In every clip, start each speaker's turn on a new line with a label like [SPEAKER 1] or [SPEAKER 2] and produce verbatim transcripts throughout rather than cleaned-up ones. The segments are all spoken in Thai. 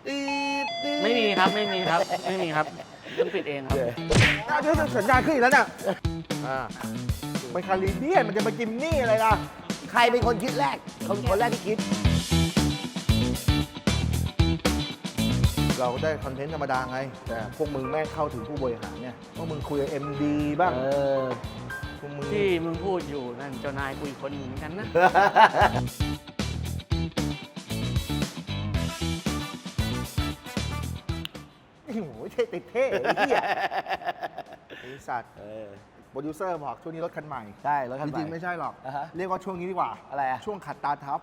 [SPEAKER 1] ไม่มีครับไม่มีครับไม่มีครับต้องปิดเองครับ
[SPEAKER 2] น่าจะสัญญาณขึ้นอีกแล้วเนี่ยมันคาริเบียนมันจะมากินนี่อะไรล่ะ
[SPEAKER 3] ใครเป็นคนคิดแรก คนคนแรกที่คิด
[SPEAKER 2] เราได้คอนเทนต์ธรรมดาไง แต่พวกมึงแม่งเข้าถึงผู้บริหารเนี่ยพวกมึงคุยกับ เอ็ม ดี บ้าง
[SPEAKER 3] เออ
[SPEAKER 2] พวกมึง
[SPEAKER 1] ที่มึงพูดอยู่นั่นเจ้านายคุยคนหนึ่งเหมือนกันนะ
[SPEAKER 2] โอ้โหเท่ติดเท่ไอ้เหี้ยไอ้สัตว์โปรดิวเซอร์บอกช่วงนี้รถคันใหม่
[SPEAKER 3] ใช่รถคัน
[SPEAKER 2] จ
[SPEAKER 3] ใหม่
[SPEAKER 2] ริงๆไม่ใช่หรอก
[SPEAKER 3] อ่าฮะ
[SPEAKER 2] เรียกว่าช่วงนี้ดีกว่า
[SPEAKER 3] อะไรอะ
[SPEAKER 2] ช่วงขัดตาทับ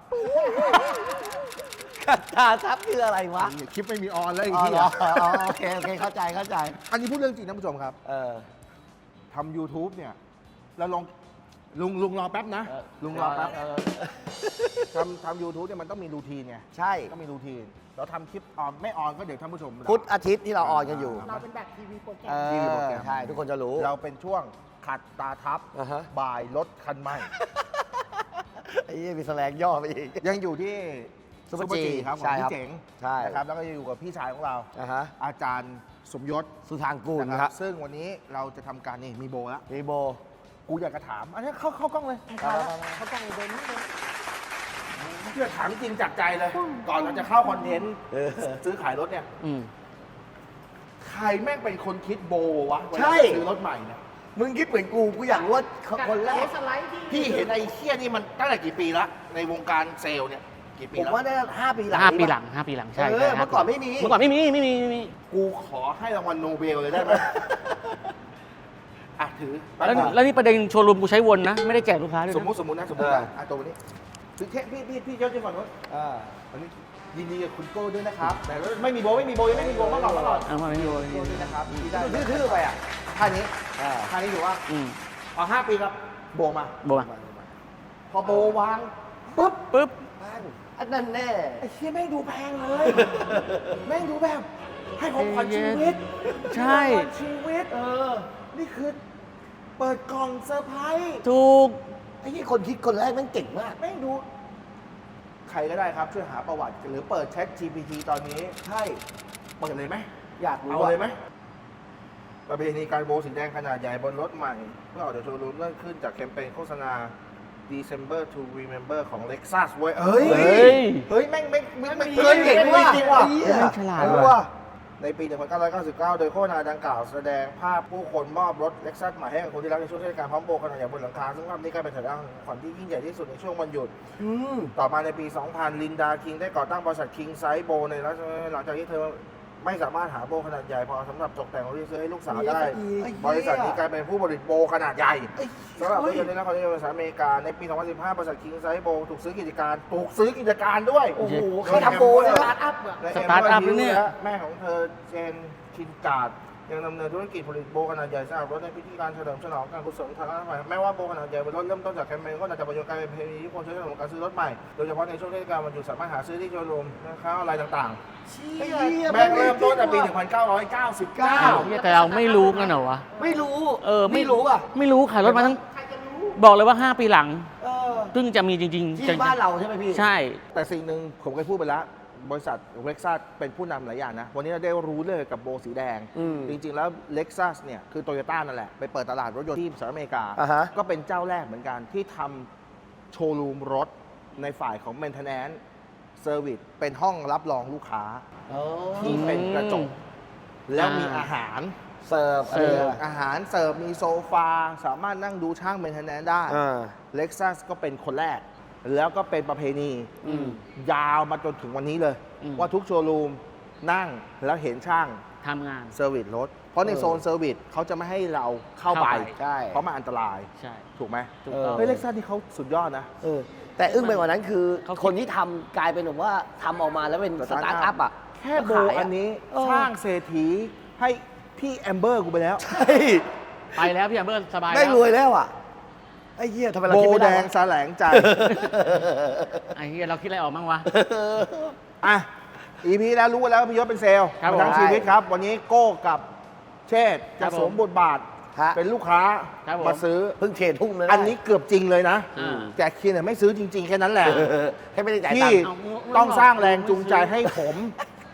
[SPEAKER 3] ขัดตาทับคืออะไรวะ
[SPEAKER 2] ไอ้คลิปไม่มีออนแล้วไอ้
[SPEAKER 3] อ๋อ
[SPEAKER 2] เหี้
[SPEAKER 3] เหร
[SPEAKER 2] ย
[SPEAKER 3] ออ๋อโอเคโอเคเข้าใจเข้าใจ
[SPEAKER 2] อันนี้พูดเรื่องจริงนะผู้ชมครับ
[SPEAKER 3] เออ
[SPEAKER 2] ทำ YouTube เนี่ยเราลองลุงลุงรอแป๊บนะ
[SPEAKER 3] เออ
[SPEAKER 2] ลุงรอแป๊บ
[SPEAKER 3] เออ
[SPEAKER 2] ทำทำยูทูบเนี่ยมันต้องมีรูทีนไง
[SPEAKER 3] ใช่
[SPEAKER 2] ต้องมีรูทีนเราทำคลิปออนไม่ออนก็เดี๋ยวท่านผู้ชม
[SPEAKER 3] พุธอาทิตย์ที่เราออนกันอยู่
[SPEAKER 4] เราเป็นแบบทีวีโปรแกร
[SPEAKER 3] เอ
[SPEAKER 4] ม
[SPEAKER 2] ทีวีโปร
[SPEAKER 3] อ
[SPEAKER 2] แกรม
[SPEAKER 3] ใช่ทุกคนจะรู้
[SPEAKER 2] เราเป็นช่วงขัดตาทับ
[SPEAKER 3] อ่าฮะ
[SPEAKER 2] บ่ายรถคันใหม่
[SPEAKER 3] ไอ้เหี้ยมีแสลงย่อไปอีก
[SPEAKER 2] ยังอยู่ที่
[SPEAKER 3] ซุปเปอร์จี
[SPEAKER 2] ครับผม
[SPEAKER 3] ใช่ครับ
[SPEAKER 2] พี่เจ๋ง
[SPEAKER 3] ใช่
[SPEAKER 2] นะครับแล้วก็จะอยู่กับพี่ชายของเรา
[SPEAKER 3] อ่าฮะ
[SPEAKER 2] อาจารย์สมยศ
[SPEAKER 3] สุธางกูล
[SPEAKER 2] นะ
[SPEAKER 3] ค
[SPEAKER 2] ค
[SPEAKER 3] รั
[SPEAKER 2] รับ บซึ่งวันนี้เราจะทำการนี่มีโบแล้ว
[SPEAKER 3] รีโบ
[SPEAKER 2] กูอยากจะถามอันนี้เข้าเข้ากล้องเลย
[SPEAKER 3] เอาละ
[SPEAKER 4] เขากล้องเดินนี่เลย
[SPEAKER 2] เพื่อถามจริงจากใจเลย ก่อนเราจะเข้าคอนเทนต์
[SPEAKER 3] เออ
[SPEAKER 2] ซื้อขายรถเนี่ย
[SPEAKER 1] อืม
[SPEAKER 2] ใครแม่งเป็นคนคิดโบวะเวลา
[SPEAKER 3] ใช่
[SPEAKER 2] ซื้อรถใหม่เนี่ย
[SPEAKER 3] มึงคิดเหมือนกูกูอยากรู้ว่าคนแรก
[SPEAKER 4] สไลด์ที่
[SPEAKER 2] พี่เห็นไอ้เคี้ยนี่มันตั้งแต่กี่ปีละในวงการเซลล์เนี่ยกี่ปี
[SPEAKER 3] ผม
[SPEAKER 2] แล้ว
[SPEAKER 3] ว่าได้ห้าปีหลัง
[SPEAKER 1] ห้าปี
[SPEAKER 3] นี้
[SPEAKER 1] ห
[SPEAKER 3] ปะ
[SPEAKER 1] ลังห้าปีหลังใช่
[SPEAKER 3] เออ
[SPEAKER 1] ใช่
[SPEAKER 3] เมื่อก่อนไม่มี
[SPEAKER 1] เมื่อก่อนไม่มีไม่มีไม่มี
[SPEAKER 2] กูขอให้รางวัลโนเบลเลยได้ไหม อ่ะถือ
[SPEAKER 1] แล้วแล้วนี่ประเด็นโชว์รูมกูใช้วนนะ ไม่ได้แจกลูกค้าด้วย
[SPEAKER 2] สม
[SPEAKER 1] นะ
[SPEAKER 2] มุติสมมุตินะสมมุตินะอ่ะตัวนี้ถือเทพี่พี่พี่เจ้าเจ้าฝั่งนู้น
[SPEAKER 3] อ่า
[SPEAKER 2] อันนี้ยินดีกับคุณโก้ด้วยนะครับแต่ไม่มีโบไม่มีโบยังไม่มีโบมาก่อนมาก่อน
[SPEAKER 1] เอามาไม่มีโบ
[SPEAKER 2] โก้ด้วยนะครับที่ได้
[SPEAKER 3] ดูทื่อๆไปอ่ะ
[SPEAKER 2] ท่านี้
[SPEAKER 3] อ่า
[SPEAKER 2] ท่านี้อยู่ว่า
[SPEAKER 1] อืม
[SPEAKER 2] เอาห้าปีครับโบมา
[SPEAKER 1] โบมา
[SPEAKER 2] พอโบวางปุ๊บ
[SPEAKER 1] ปุ๊บ
[SPEAKER 3] อันนั้นแน่
[SPEAKER 2] ไอ้เชี่ยแม่งดูแพงเลย แม่งดูแบบ ให้ของขวัญชีวิต
[SPEAKER 1] ใช่
[SPEAKER 2] ให้ของขวัญชีวิต เออ นี่คือ เปิดกล่องเซอร์ไพรส์
[SPEAKER 1] ถูก
[SPEAKER 3] ไอ้ที่คนคิดคนแรกแมันเก่งมาก
[SPEAKER 2] แม่งดู ใครก็ได้ครับ ช่วยหาประวัติ หรือเปิด Chat จี พี ที ตอนนี้ ใช่ เปิดเลยไหม
[SPEAKER 3] อยากรู้
[SPEAKER 2] เอา
[SPEAKER 3] ว่า
[SPEAKER 2] เลยไหมประเพณีการโบว์สีแดงขนาดใหญ่บนรถใหม่ เพื่อออกจากโชว์รูมเริ่มขึ้นจากแคมเปญโฆษณา December to Remember ของ Lexus เว้ยเฮ้ย
[SPEAKER 1] เฮ้ย
[SPEAKER 2] เฮ้ย แม่งแม่งแม่งแม่ง
[SPEAKER 3] เฮ้ยเก่งว่ะ
[SPEAKER 2] จริงว่ะ
[SPEAKER 3] ไอ้เหี้ย
[SPEAKER 1] ไม่ฉลาด
[SPEAKER 2] เออ
[SPEAKER 1] ว่ะ
[SPEAKER 2] ว่ะในปี หนึ่งพันเก้าร้อยเก้าสิบเก้า โดยโฆษณาดังกล่าวแสดงภาพผู้คนมอบรถ Lexus ใหม่ให้กับคนที่รักในช่วงเทศกาลพร้อมโบว์ขนาดใหญ่บนหลังคา ซึ่งภาพนี้กลายเป็นสัญลักษณ์ของขวัญที่ยิ่งใหญ่ที่สุดในช่วงวันหยุด
[SPEAKER 3] อืม
[SPEAKER 2] ต่อมาในปี สองพัน ลินดา คิงได้ก่อตั้งบริษัท King Size Bow ในรัฐหลังจากที่เธอไม่สามารถหาโบว์ขนาดใหญ่พอสำหรับตกแต่งรถที่ซื้อให้ลูกสาวได้ บริษัทนี้กลายเป็นผู้ผลิตโบว์ขนาดใหญ่สำหรับรถยนต์ในนครนิวยอร์กสหรัฐอเมริกาในปี สองพันสิบห้า บริษัท King Size Bow ถูกซื้อกิจการถูกซื้อกิจการด้วย
[SPEAKER 3] โอ้โหเขาทำโบเลย
[SPEAKER 4] ส
[SPEAKER 3] นะ
[SPEAKER 4] ตาร์ทอัพอะ
[SPEAKER 2] และ
[SPEAKER 1] สตาร์ทอัพ
[SPEAKER 2] เม
[SPEAKER 1] เนี่ย
[SPEAKER 2] และแม่ของเธอเจนคินการ์ดยังดำเนินธุรกิจผลิตโบขนาดใหญ่สำหรับรถในพิธีการเฉลิมฉลองการกุศลทางการใหม่แม้ว่าโบขนาดใหญ่เป็นรถเริ่มต้นจากแคมเปญก็น่าจะประโยชน์กลายเป็นประเพณีที่คนใช้สำหรับการซื้อรถใหม่โดยเฉพาะในช่วงเทศกาลวันหยุดสามารถหาซื้อที่โชว์รูมนะครับอะไรต่าง
[SPEAKER 3] ไอ้เหี้ย
[SPEAKER 2] ๆ แม่งเริ่มต้นจากปี หนึ่งพันเก้าร้อยเก้าสิบเก้า
[SPEAKER 1] เหี้ยแต่เราไม่รู้กันเหรอวะ
[SPEAKER 3] ไม่รู้
[SPEAKER 1] เออ
[SPEAKER 3] ไม่รู้อ่ะ
[SPEAKER 1] ไม่รู้ขายรถมาทั้ง
[SPEAKER 4] ใครจะรู้
[SPEAKER 1] บอกเลยว่าห้าปีหลัง
[SPEAKER 3] เออ
[SPEAKER 1] เพิ่งจะมีจริงๆ
[SPEAKER 3] ที่
[SPEAKER 1] จะ
[SPEAKER 3] บ้านเราใช่ไหมพี่
[SPEAKER 1] ใช่
[SPEAKER 2] แต่สิ่งหนึ่งผมเคยพูดไปแล้วบริษัทเล็กซัสเป็นผู้นำหลายอย่างนะ วันนี้เราได้รู้เลยกับโบสีแดง
[SPEAKER 3] อืม
[SPEAKER 2] จริง ๆ แล้วเล็กซัสเนี่ยคือโตโยต้านั่นแหละ ไปเปิดตลาดรถยนต์ที่สหรัฐอเมริกา
[SPEAKER 3] อ่าฮะ
[SPEAKER 2] ก็เป็นเจ้าแรกเหมือนกันที่ทำโชว์รูมรถในฝ่ายของ Maintenance Service เป็นห้องรับรองลูกค้า
[SPEAKER 3] อ๋อ
[SPEAKER 2] ที่เป็นกระจก แล้วมี
[SPEAKER 1] อ่า
[SPEAKER 2] อาหาร
[SPEAKER 3] เสิร์ฟ
[SPEAKER 1] เสิร์ฟ
[SPEAKER 2] อาหารเสิร์ฟมีโซฟา สามารถนั่งดูช่าง Maintenance ได้
[SPEAKER 3] อ่า
[SPEAKER 2] เล็กซัสก็เป็นคนแรก แล้วก็เป็นประเพณี
[SPEAKER 1] อืม
[SPEAKER 2] ยาวมาจนถึงวันนี้เลย
[SPEAKER 1] อืม
[SPEAKER 2] ว่าทุกโชว์รูมนั่งแล้วเห็นช่าง
[SPEAKER 1] ทำงาน
[SPEAKER 2] เซอร์วิสรถ เพราะใน
[SPEAKER 3] เออ
[SPEAKER 2] โซนเซอร์วิสเขาจะไม่ให้เราเข้าไป
[SPEAKER 1] เข้าไป
[SPEAKER 3] ใช่
[SPEAKER 2] เพราะมันอันตราย
[SPEAKER 1] ใช่
[SPEAKER 2] ถูกไหม
[SPEAKER 1] ถูกต้อง
[SPEAKER 2] เฮ้ยเล็กซัสที่เขาสุดยอดนะ
[SPEAKER 3] เออ แต่อึ้งไปกว่านั้นคือ
[SPEAKER 1] เขาคิด
[SPEAKER 3] คนที่ทำกลายเป็นแบบว่าทำออกมาแล้วเป็นสตาร์ทอัพอ่ะ
[SPEAKER 2] แค่โบ
[SPEAKER 3] ขายะ
[SPEAKER 2] อันนี้
[SPEAKER 3] เออ
[SPEAKER 2] สร้างเศรษฐีให้พี่แอมเบอร์กูไปแล้ว
[SPEAKER 3] ใช่
[SPEAKER 1] ไปแล้วพี่แอมเบอร์สบาย
[SPEAKER 3] ได้
[SPEAKER 1] แล้ว
[SPEAKER 3] รวยแล้วอ่ะ ไอ้เหี้ยทำไมเรา
[SPEAKER 2] โบ
[SPEAKER 3] คิดไม่
[SPEAKER 2] แด
[SPEAKER 3] ได้
[SPEAKER 2] ง
[SPEAKER 3] วะ
[SPEAKER 2] แสลงใจ
[SPEAKER 1] ไอ้เหี้ยเราคิดอะไรออกบ้างวะ
[SPEAKER 2] อ่ะ อีพีแล้วรู้แล้วพี่ยศเป็นเซลล์
[SPEAKER 1] ครับผม
[SPEAKER 2] มาทั้งชีวิตครับ วันนี้โก้กับเชษฐ์
[SPEAKER 1] ครั
[SPEAKER 2] จะ
[SPEAKER 1] บผม
[SPEAKER 2] สวมบทบาท
[SPEAKER 3] ฮะ
[SPEAKER 2] เป็นลูกค้า
[SPEAKER 1] ครับผม
[SPEAKER 2] มาซื้อ
[SPEAKER 3] เพิ่งเทรดทุ่มเลย
[SPEAKER 2] อันนี้เกือบจริงเลยนะ
[SPEAKER 1] อ่า
[SPEAKER 2] แต่คีนเนี่ยไม่ซื้อจริง ๆ แค่นั้นแหละ
[SPEAKER 3] ให้ไม่ได้จ่ายตั
[SPEAKER 2] ที่
[SPEAKER 3] งค์
[SPEAKER 1] เอามึง
[SPEAKER 2] ต้อง
[SPEAKER 1] บอก
[SPEAKER 2] สร้างแรงจูงใจ
[SPEAKER 1] ไม่ซื้อ
[SPEAKER 2] ให้ผม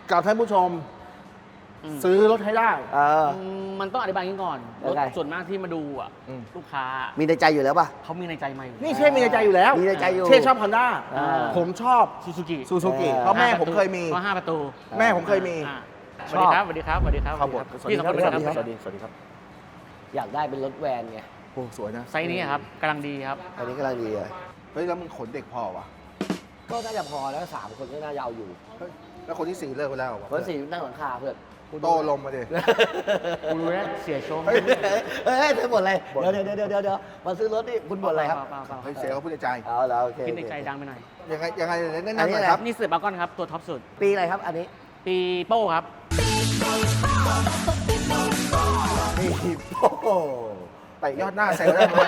[SPEAKER 2] กับท่านผู้ชม
[SPEAKER 1] อืม
[SPEAKER 2] ซื้อรถให้ได้
[SPEAKER 3] เออ
[SPEAKER 1] อืมมันต้องอธิบายอย่างนี้ก่อนร
[SPEAKER 3] ยั
[SPEAKER 1] ถ
[SPEAKER 3] งไง
[SPEAKER 1] ส่วนมากที่มาดูอ่ะ
[SPEAKER 2] อืม
[SPEAKER 1] ลูกค้า
[SPEAKER 3] มีในใจอยู่แล้วป่ะ
[SPEAKER 1] เขามีในใจมาอยู่
[SPEAKER 2] นี่เช่มีในใจอยู่แล้ว
[SPEAKER 3] มีในใจอยู่
[SPEAKER 2] เช่ชอบฮอนด้า
[SPEAKER 3] อ่า
[SPEAKER 2] ผมชอบ
[SPEAKER 1] ซูซูกิ
[SPEAKER 2] ซูซูกิ
[SPEAKER 3] เออ
[SPEAKER 2] เพราะแม่ผมเคยมี
[SPEAKER 1] ก็ห้าประตู
[SPEAKER 2] แม่ผมเคยมี
[SPEAKER 1] อ่าส
[SPEAKER 3] ช
[SPEAKER 1] วัส
[SPEAKER 3] อบ
[SPEAKER 1] ดีครับสวัสดีครับสวัสดีครับ
[SPEAKER 2] ครับผม
[SPEAKER 1] พี่สองคนสวัสดีครับ
[SPEAKER 2] สวัสดี สวัสดีครับ
[SPEAKER 3] อยากได้เป็นรถแวนไง
[SPEAKER 2] โอ้สวยนะ
[SPEAKER 1] ไซส์นี้ครับกำลังดีครับ
[SPEAKER 3] อันนี้กำลังดีเลย
[SPEAKER 2] เฮ้ย แล้วมึงขนเด็กพอวะ
[SPEAKER 3] ก็น่าจะพอแล้วสามคนก็น่าจะเอาอยู่
[SPEAKER 2] เฮ้ยแล้วคนที่สี่เลิกไปแล้วเหรอวะ
[SPEAKER 3] คนสี่นั่งหลังคาเพื่อน
[SPEAKER 2] โตลมมาดิ
[SPEAKER 1] กูรู้แล้วเสียชม
[SPEAKER 2] เฮ้ย
[SPEAKER 3] เฮ้ยเธอบ่นอะไร เดี๋ยวเดี๋ยวเดี๋ยวเดี๋ยวเดี๋ยวมาซื้อรถนี่คุณบ่นอะไรครับ
[SPEAKER 1] เปล่าเปล่าเป
[SPEAKER 2] เฮ้ย
[SPEAKER 1] ล่า
[SPEAKER 2] เสียเขาพูดในใจ
[SPEAKER 3] เอาแล้วโอเค
[SPEAKER 1] คิดในใจดังไปหน่อย
[SPEAKER 2] ยังไง ยังไงแนะ
[SPEAKER 3] อัน
[SPEAKER 2] นำ
[SPEAKER 3] นี้
[SPEAKER 2] หน่อย
[SPEAKER 3] อะไร
[SPEAKER 2] ค
[SPEAKER 3] ครั
[SPEAKER 2] รับ
[SPEAKER 3] บ
[SPEAKER 1] นี่สืบบากอนครับตัวท็อปสุด
[SPEAKER 3] ปีอะไรครับ อันนี้
[SPEAKER 1] ปีโป้ครับ
[SPEAKER 3] ปีโอ้โห
[SPEAKER 2] ไปยอดหน้าเซลได้ไหม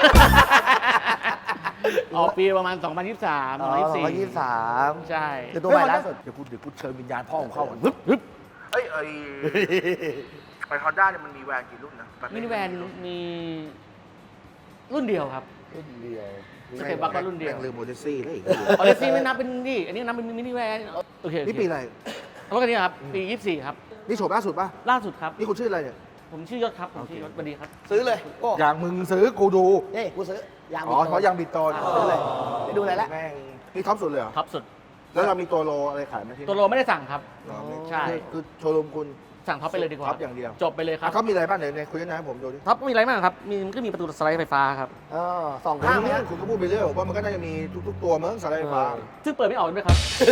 [SPEAKER 1] ออกปีประมาณ สองพันยี่สิบสาม
[SPEAKER 3] อ๋อ
[SPEAKER 1] สองพันยี่สิบสี่
[SPEAKER 3] สองพันยี่สิบสาม
[SPEAKER 1] ใช่
[SPEAKER 3] คือตัวใหม่ล่าสุด
[SPEAKER 2] เดี๋ยวกูเดี๋ยวกูเชิญวิญญาณพ่อของเข้าก่อนฮึบฮึบเอ้ยไอ้ไอ้ฮอนด้าเนี่ยมันมีแวนกี่รุ่นนะ
[SPEAKER 1] มินิแวนมีรุ่นเดียวครับ
[SPEAKER 3] รุ่นเดียว
[SPEAKER 1] สเต็ปบัคก็รุ่นเดียว
[SPEAKER 2] แม่งลืมโมเดซี่แล้วอีก
[SPEAKER 1] ออเดซี่ไม่นับเป็นนี่อันนี้นับเป็นมินิแวนโอเคโอเค
[SPEAKER 2] นี่ปีอะไร
[SPEAKER 1] รถคันนี้ครับ ปียี่สิบสี่ครับ
[SPEAKER 2] นี่โฉบล่าสุดป่ะ
[SPEAKER 1] ล่าสุดครับ
[SPEAKER 2] นี่คุณชื่ออะไรเนี่ย
[SPEAKER 1] ผมชื่อยศครับผมชื่อยศสวัสดีครับ
[SPEAKER 3] ซื้อเลยโอ้
[SPEAKER 2] อย่างมึงซื้อกูดู
[SPEAKER 3] นี่กูซื้อ ยาง
[SPEAKER 2] อ๋อเพราะยังบิดตอน
[SPEAKER 3] ซื้อเลยไปดูอะไรละ
[SPEAKER 2] แม่งนี่ท็อปสุดเลยเหรอ
[SPEAKER 1] ท็อปสุด
[SPEAKER 2] แล้วเรามีตัวโลอะไรขายไหมที่
[SPEAKER 1] ตัวโลไม่ได้สั่งครับ
[SPEAKER 2] เหรอ
[SPEAKER 1] ใช่
[SPEAKER 2] คือคือโชว์รูมคุณ
[SPEAKER 1] สั่งท็อปไปเลยดีกว่า
[SPEAKER 2] ท็อปอย่างเดียว
[SPEAKER 1] จบไปเลยครับ
[SPEAKER 2] อ่ะเขามีอะไรบ้างเดี๋ยวในคุยกันนะให้ผมดูดิ
[SPEAKER 1] ท็อปมีอะไรบ้างครับ มีมันก็มีประตูสไลด์ไฟฟ้าครับ
[SPEAKER 3] เออสองคน
[SPEAKER 2] ห้าง
[SPEAKER 3] นี้
[SPEAKER 2] นี้คุณก็พูดไปเรื่อยผมว่ามันก็น่าจะมีทุกๆตัวมั้งสไลด์ไฟฟ้า
[SPEAKER 1] ซึ่งเปิดไม่ออกด้วยครับ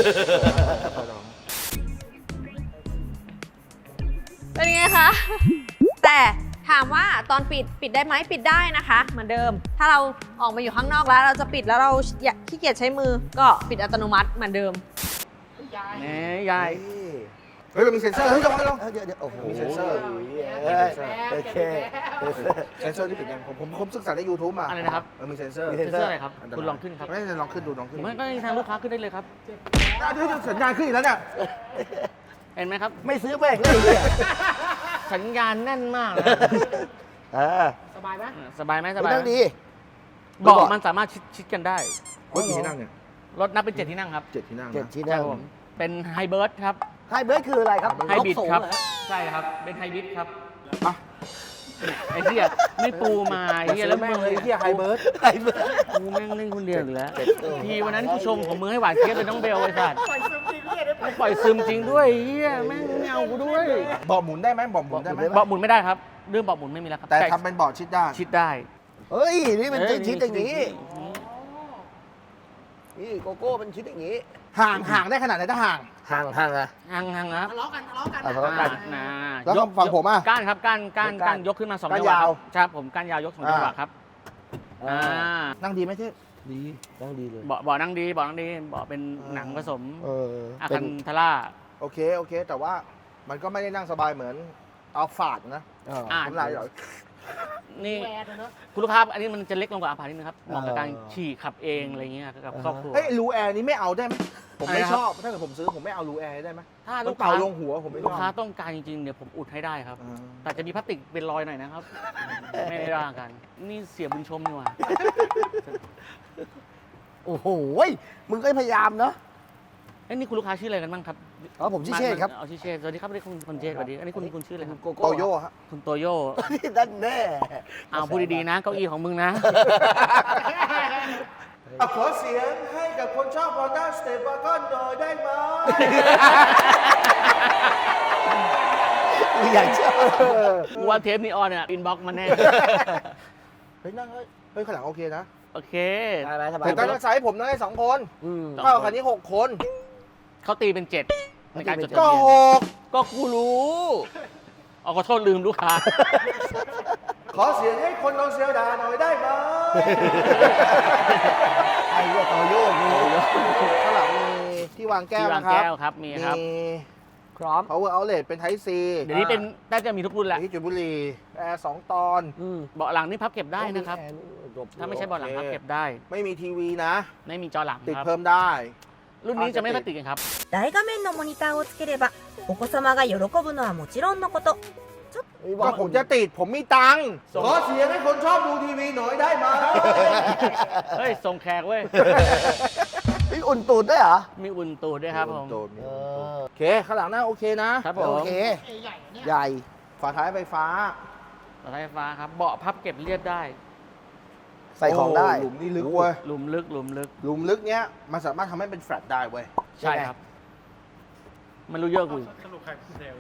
[SPEAKER 5] เป็นไงคะ แต่ถามว่าตอนปิดปิดได้ไหมปิดได้นะคะ เหมือนเดิม ถ้าเราออกมาอยู่ข้างนอกแล้ว เราจะปิดแล้วเราอยากขี้เกียจใช้มือ ก็ปิดอัตโนมัติเหมือนเดิม
[SPEAKER 1] แหมยาย
[SPEAKER 2] เฮ้ยมันมีเซ็นเซอร์เฮ้ยระวังระวัง
[SPEAKER 3] เออเดี๋ยวเดี๋ยวโอ้โห
[SPEAKER 2] มีเซ็นเซอร์
[SPEAKER 3] เอ้ยโอเค
[SPEAKER 2] เซ็นเซอร์ที่ปิดยังผมผมผมศึกษาใน YouTube มา
[SPEAKER 1] อะไรนะครับ
[SPEAKER 2] มันมีเซ็นเซอร์
[SPEAKER 3] มี
[SPEAKER 1] เซ็นเซอร์อะไรครับ
[SPEAKER 2] นตาย
[SPEAKER 1] คุณลองขึ้นครับ
[SPEAKER 2] ไม่ได้ลองขึ้นดูลอง
[SPEAKER 1] ผ
[SPEAKER 2] ขึ้น
[SPEAKER 1] มก็ให้ทางลูกค้าขึ้นได้เลยครับ
[SPEAKER 2] อ่ะเดี๋ยวสัญญาณขึ้นอีกแล้วเนี่ย
[SPEAKER 1] เห็นไหมครับ
[SPEAKER 3] ไม่ซื้อแม่งเลยเนี่ย
[SPEAKER 1] สัญญาณแน่นมากนะ
[SPEAKER 3] เออ
[SPEAKER 5] สบายไหม
[SPEAKER 1] สบายไหมส
[SPEAKER 3] คุณ
[SPEAKER 1] บาย
[SPEAKER 3] นั่ง
[SPEAKER 1] ไหม
[SPEAKER 3] ดี
[SPEAKER 1] เบอกมันสามารถชิดชิดกันได้
[SPEAKER 2] รถกี่ที่นั่งเนี่ย
[SPEAKER 1] รถนับเป็นเจ็ดที่นั่งครับ
[SPEAKER 2] เจ็ดที่นั่ง
[SPEAKER 3] เจ็ด
[SPEAKER 2] นะ
[SPEAKER 3] ที่
[SPEAKER 1] ใช่
[SPEAKER 3] นั่ง
[SPEAKER 1] ครับผม เป็นไฮเบิร์ดครับ
[SPEAKER 3] ไฮเบิร์ดคืออะไรครับ
[SPEAKER 1] ไฮบริด
[SPEAKER 3] ยกสูง
[SPEAKER 1] ครับ
[SPEAKER 3] เหอ
[SPEAKER 1] ใช่ครับ เป็นไฮบริดครับ
[SPEAKER 2] อ่ะ
[SPEAKER 1] ไอ้เหี้ยไม่ปูมาไอ้เหี้ย
[SPEAKER 2] แล้
[SPEAKER 1] แล้ว ว
[SPEAKER 2] แม่งเลยที่ไฮเบิร์ด
[SPEAKER 3] ไฮเบิร์ด
[SPEAKER 1] กูแม่งเล่นคนเดียวอยู่แล้วทีวันนั้นกูชมของมือให้หวานเจี๊ยบเป็นน้องเบลไอ้สัตว์ปล่อยซึมจริงด้วยเหี้ยแม่งไม่เอากูด้วย
[SPEAKER 2] เบาะหมุนได้ไหมเบาะหมุนได้ไหม
[SPEAKER 1] เบาะหมุนไม่ได้ครับ เรื่องเบาะหมุนไม่มีแล้วครับ
[SPEAKER 2] แต่ทำเป็นเบาะชิดได้
[SPEAKER 1] ชิดได้
[SPEAKER 3] เฮ้ย นี่เป็น
[SPEAKER 1] เอ้ย
[SPEAKER 3] ชิ้นอย่างนี้
[SPEAKER 1] นี่
[SPEAKER 3] นี่โกโก้เป็นชิ้นอย่างนี้
[SPEAKER 2] ห่างห่างได้ขนาดไหนถ้าห่าง
[SPEAKER 3] ห่างห่างอะ
[SPEAKER 1] ห่างห่างครับ
[SPEAKER 5] ทะเลาะกันทะเลาะกัน
[SPEAKER 3] อ่ะทะเลาะกัน
[SPEAKER 1] นะ
[SPEAKER 2] แล้วฝั่งผมอ่ะ
[SPEAKER 1] ก้านครับก้านก้าน
[SPEAKER 3] ก้าน
[SPEAKER 1] ก้านยกขึ้นมาสอง
[SPEAKER 2] ก้าน
[SPEAKER 1] จังหวะ
[SPEAKER 2] ยาว
[SPEAKER 1] ครับผมก้านยาวยกสองจังหวะ
[SPEAKER 2] อ่า
[SPEAKER 1] ครับ
[SPEAKER 3] อ่า
[SPEAKER 1] อ่า
[SPEAKER 2] นั่งดีไหมเท่
[SPEAKER 3] ดีต้องดีเลย
[SPEAKER 1] เบาะเบาะนั่งดีเบาะนั่งดีเบาะเป็นหนังผสม
[SPEAKER 3] เออ
[SPEAKER 1] อา
[SPEAKER 3] เป็
[SPEAKER 1] คั
[SPEAKER 3] น
[SPEAKER 1] นทาร่า
[SPEAKER 2] โอเคโอเค แต่ว่ามันก็ไม่ได้นั่งสบายเหมือนอัลฟาดนะ
[SPEAKER 3] เออ
[SPEAKER 1] อ่า
[SPEAKER 2] น้ำลายไหล
[SPEAKER 1] นี่
[SPEAKER 5] แวร์เลยเนอะ
[SPEAKER 1] คุณลูกค้าอันนี้มันจะเล็กลงกว่าอาพาร์ตนิดนึงครับเหมาะกับ
[SPEAKER 3] เออ
[SPEAKER 1] การขี่ขับเองอะไรเงี้ยกับ
[SPEAKER 3] อ่าฮะ
[SPEAKER 1] ครอบครัว
[SPEAKER 2] เฮ้ยรูแอร์นี้ไม่เอาได้ไหมผมไม่
[SPEAKER 1] อะไรนะ
[SPEAKER 2] ชอบถ้าเกิดผมซื้อผมไม่เอารูแอร์ได้ไหม
[SPEAKER 1] ถ้า
[SPEAKER 2] มั
[SPEAKER 1] ลู
[SPEAKER 2] น
[SPEAKER 1] กค้า
[SPEAKER 2] เป่าลงหัวผมไม่ช
[SPEAKER 1] ลู
[SPEAKER 2] อก บ
[SPEAKER 1] ค้าต้องการจริงๆเดี๋ยวผมอุดให้ได้ครับ
[SPEAKER 2] อ่า
[SPEAKER 1] แต่จะมีพลาสติกเป็นรอยหน่อยนะครับ ไม่ได้ร่างกัน นี่เสียบุญชมนี่หว่า
[SPEAKER 3] โอ้โหยมึงก็พยายามเนาะ
[SPEAKER 1] เอ้ยนี่คุณลูกค้าชื่ออะไรกันบ้างครับ
[SPEAKER 3] อ๋อผมชื่อเชษครับ
[SPEAKER 1] เอาชื่อเชษสวัสดีครับนี่คุณคุณเชษสวัสดีอันนี้คุณคุณชื่ออะไรครับ
[SPEAKER 3] โกโก้
[SPEAKER 2] โตโย่ฮะ
[SPEAKER 1] คุณโตโย่
[SPEAKER 3] นี่นั่นแน่
[SPEAKER 1] เอาพูดดีๆนะเก้าอี้ของมึงนะ
[SPEAKER 2] อ่ะขอเสียงให้กับคนชอบ Honda Step Wagon หน่อยได้ไหม
[SPEAKER 3] มึงอยากเชื่อ
[SPEAKER 1] กูว่าเทปนี้ออนเนี่ยอินบ็อกมาแน่
[SPEAKER 2] เฮ้ยนั่งเฮ้ยเฮ้ยข้างหลังโอเคนะ
[SPEAKER 1] โอเค
[SPEAKER 3] ได้ไหมสบาย
[SPEAKER 2] แต่ตอนนั้นไซส์ผมนั่งได้สองคน
[SPEAKER 3] อืม
[SPEAKER 2] เท่ากับคันนี้หกคน
[SPEAKER 1] เขาตีเป็นเจ็ดในการจดทะ
[SPEAKER 2] ก็
[SPEAKER 1] เบียน
[SPEAKER 2] หก
[SPEAKER 1] ก็กูรู้เอาขอโทษลืมลูกค้า
[SPEAKER 2] ขอเสียงให้คนลองเซียวดาหน่อยได้ไหม
[SPEAKER 3] ไอ้เหี้ยโตโย่กู
[SPEAKER 2] ข้างหลังมีที่วางแก้ว
[SPEAKER 1] ที่วาง
[SPEAKER 2] นะครั
[SPEAKER 1] แก้
[SPEAKER 2] บ
[SPEAKER 1] วครับมีครับ
[SPEAKER 2] มี
[SPEAKER 3] พร้อม
[SPEAKER 2] power outlet เป็น Type C
[SPEAKER 1] เดี๋ยวนี้เป็นน่าจะมีทุกรุ่นแหละ
[SPEAKER 2] ที่จุดบุรีแอร์สองตอน
[SPEAKER 3] อืม
[SPEAKER 1] เบาะหลังนี่พับเก็บได้นะครับ ถ้าไม่ใช่เบาะหลัง
[SPEAKER 2] โอเค
[SPEAKER 1] พับเก็บได้
[SPEAKER 2] ไม่มีทีวีนะ
[SPEAKER 1] ไม่มีจอหลัง
[SPEAKER 2] ติด
[SPEAKER 1] ครับ
[SPEAKER 2] เพิ่มได้
[SPEAKER 1] รุ่นนี้จะไม่ค่อยติดกันครับ
[SPEAKER 6] 大画面のモニターをつければお子様が喜ぶのはもちろんのこと
[SPEAKER 2] ก็ผมจะติดผมมีตังค์ขอเสียงให้คนชอบดูทีวีหน่อยได้ไหม
[SPEAKER 1] เฮ้ยส่งแขกเว้ย
[SPEAKER 3] มีอุ่นตูดด้วยเหรอ
[SPEAKER 1] มีอุ่นตูดด้วยครับผม
[SPEAKER 2] โดน
[SPEAKER 3] เออ
[SPEAKER 2] โอเค ข้างหลังหน้าโอเคนะ
[SPEAKER 1] ครับผม
[SPEAKER 3] โอเค
[SPEAKER 4] ใหญ่ๆเนี่ย
[SPEAKER 3] ใหญ่
[SPEAKER 2] ฝาท้ายไฟฟ้า
[SPEAKER 1] รถไฟฟ้าครับ เบาะพับเก็บเรียบได้
[SPEAKER 3] ใส่ของได้
[SPEAKER 2] โหลุมนี่ลึกเว้ย
[SPEAKER 1] หลุมลึกหลุมลึก
[SPEAKER 2] หลุมลึกเนี้ยมันสามารถทำให้เป็นแฟลตได้เว้ย
[SPEAKER 1] ใช่ครับ มันรู้เยอะกูอีก
[SPEAKER 4] สรุปใครเป็นเซลล์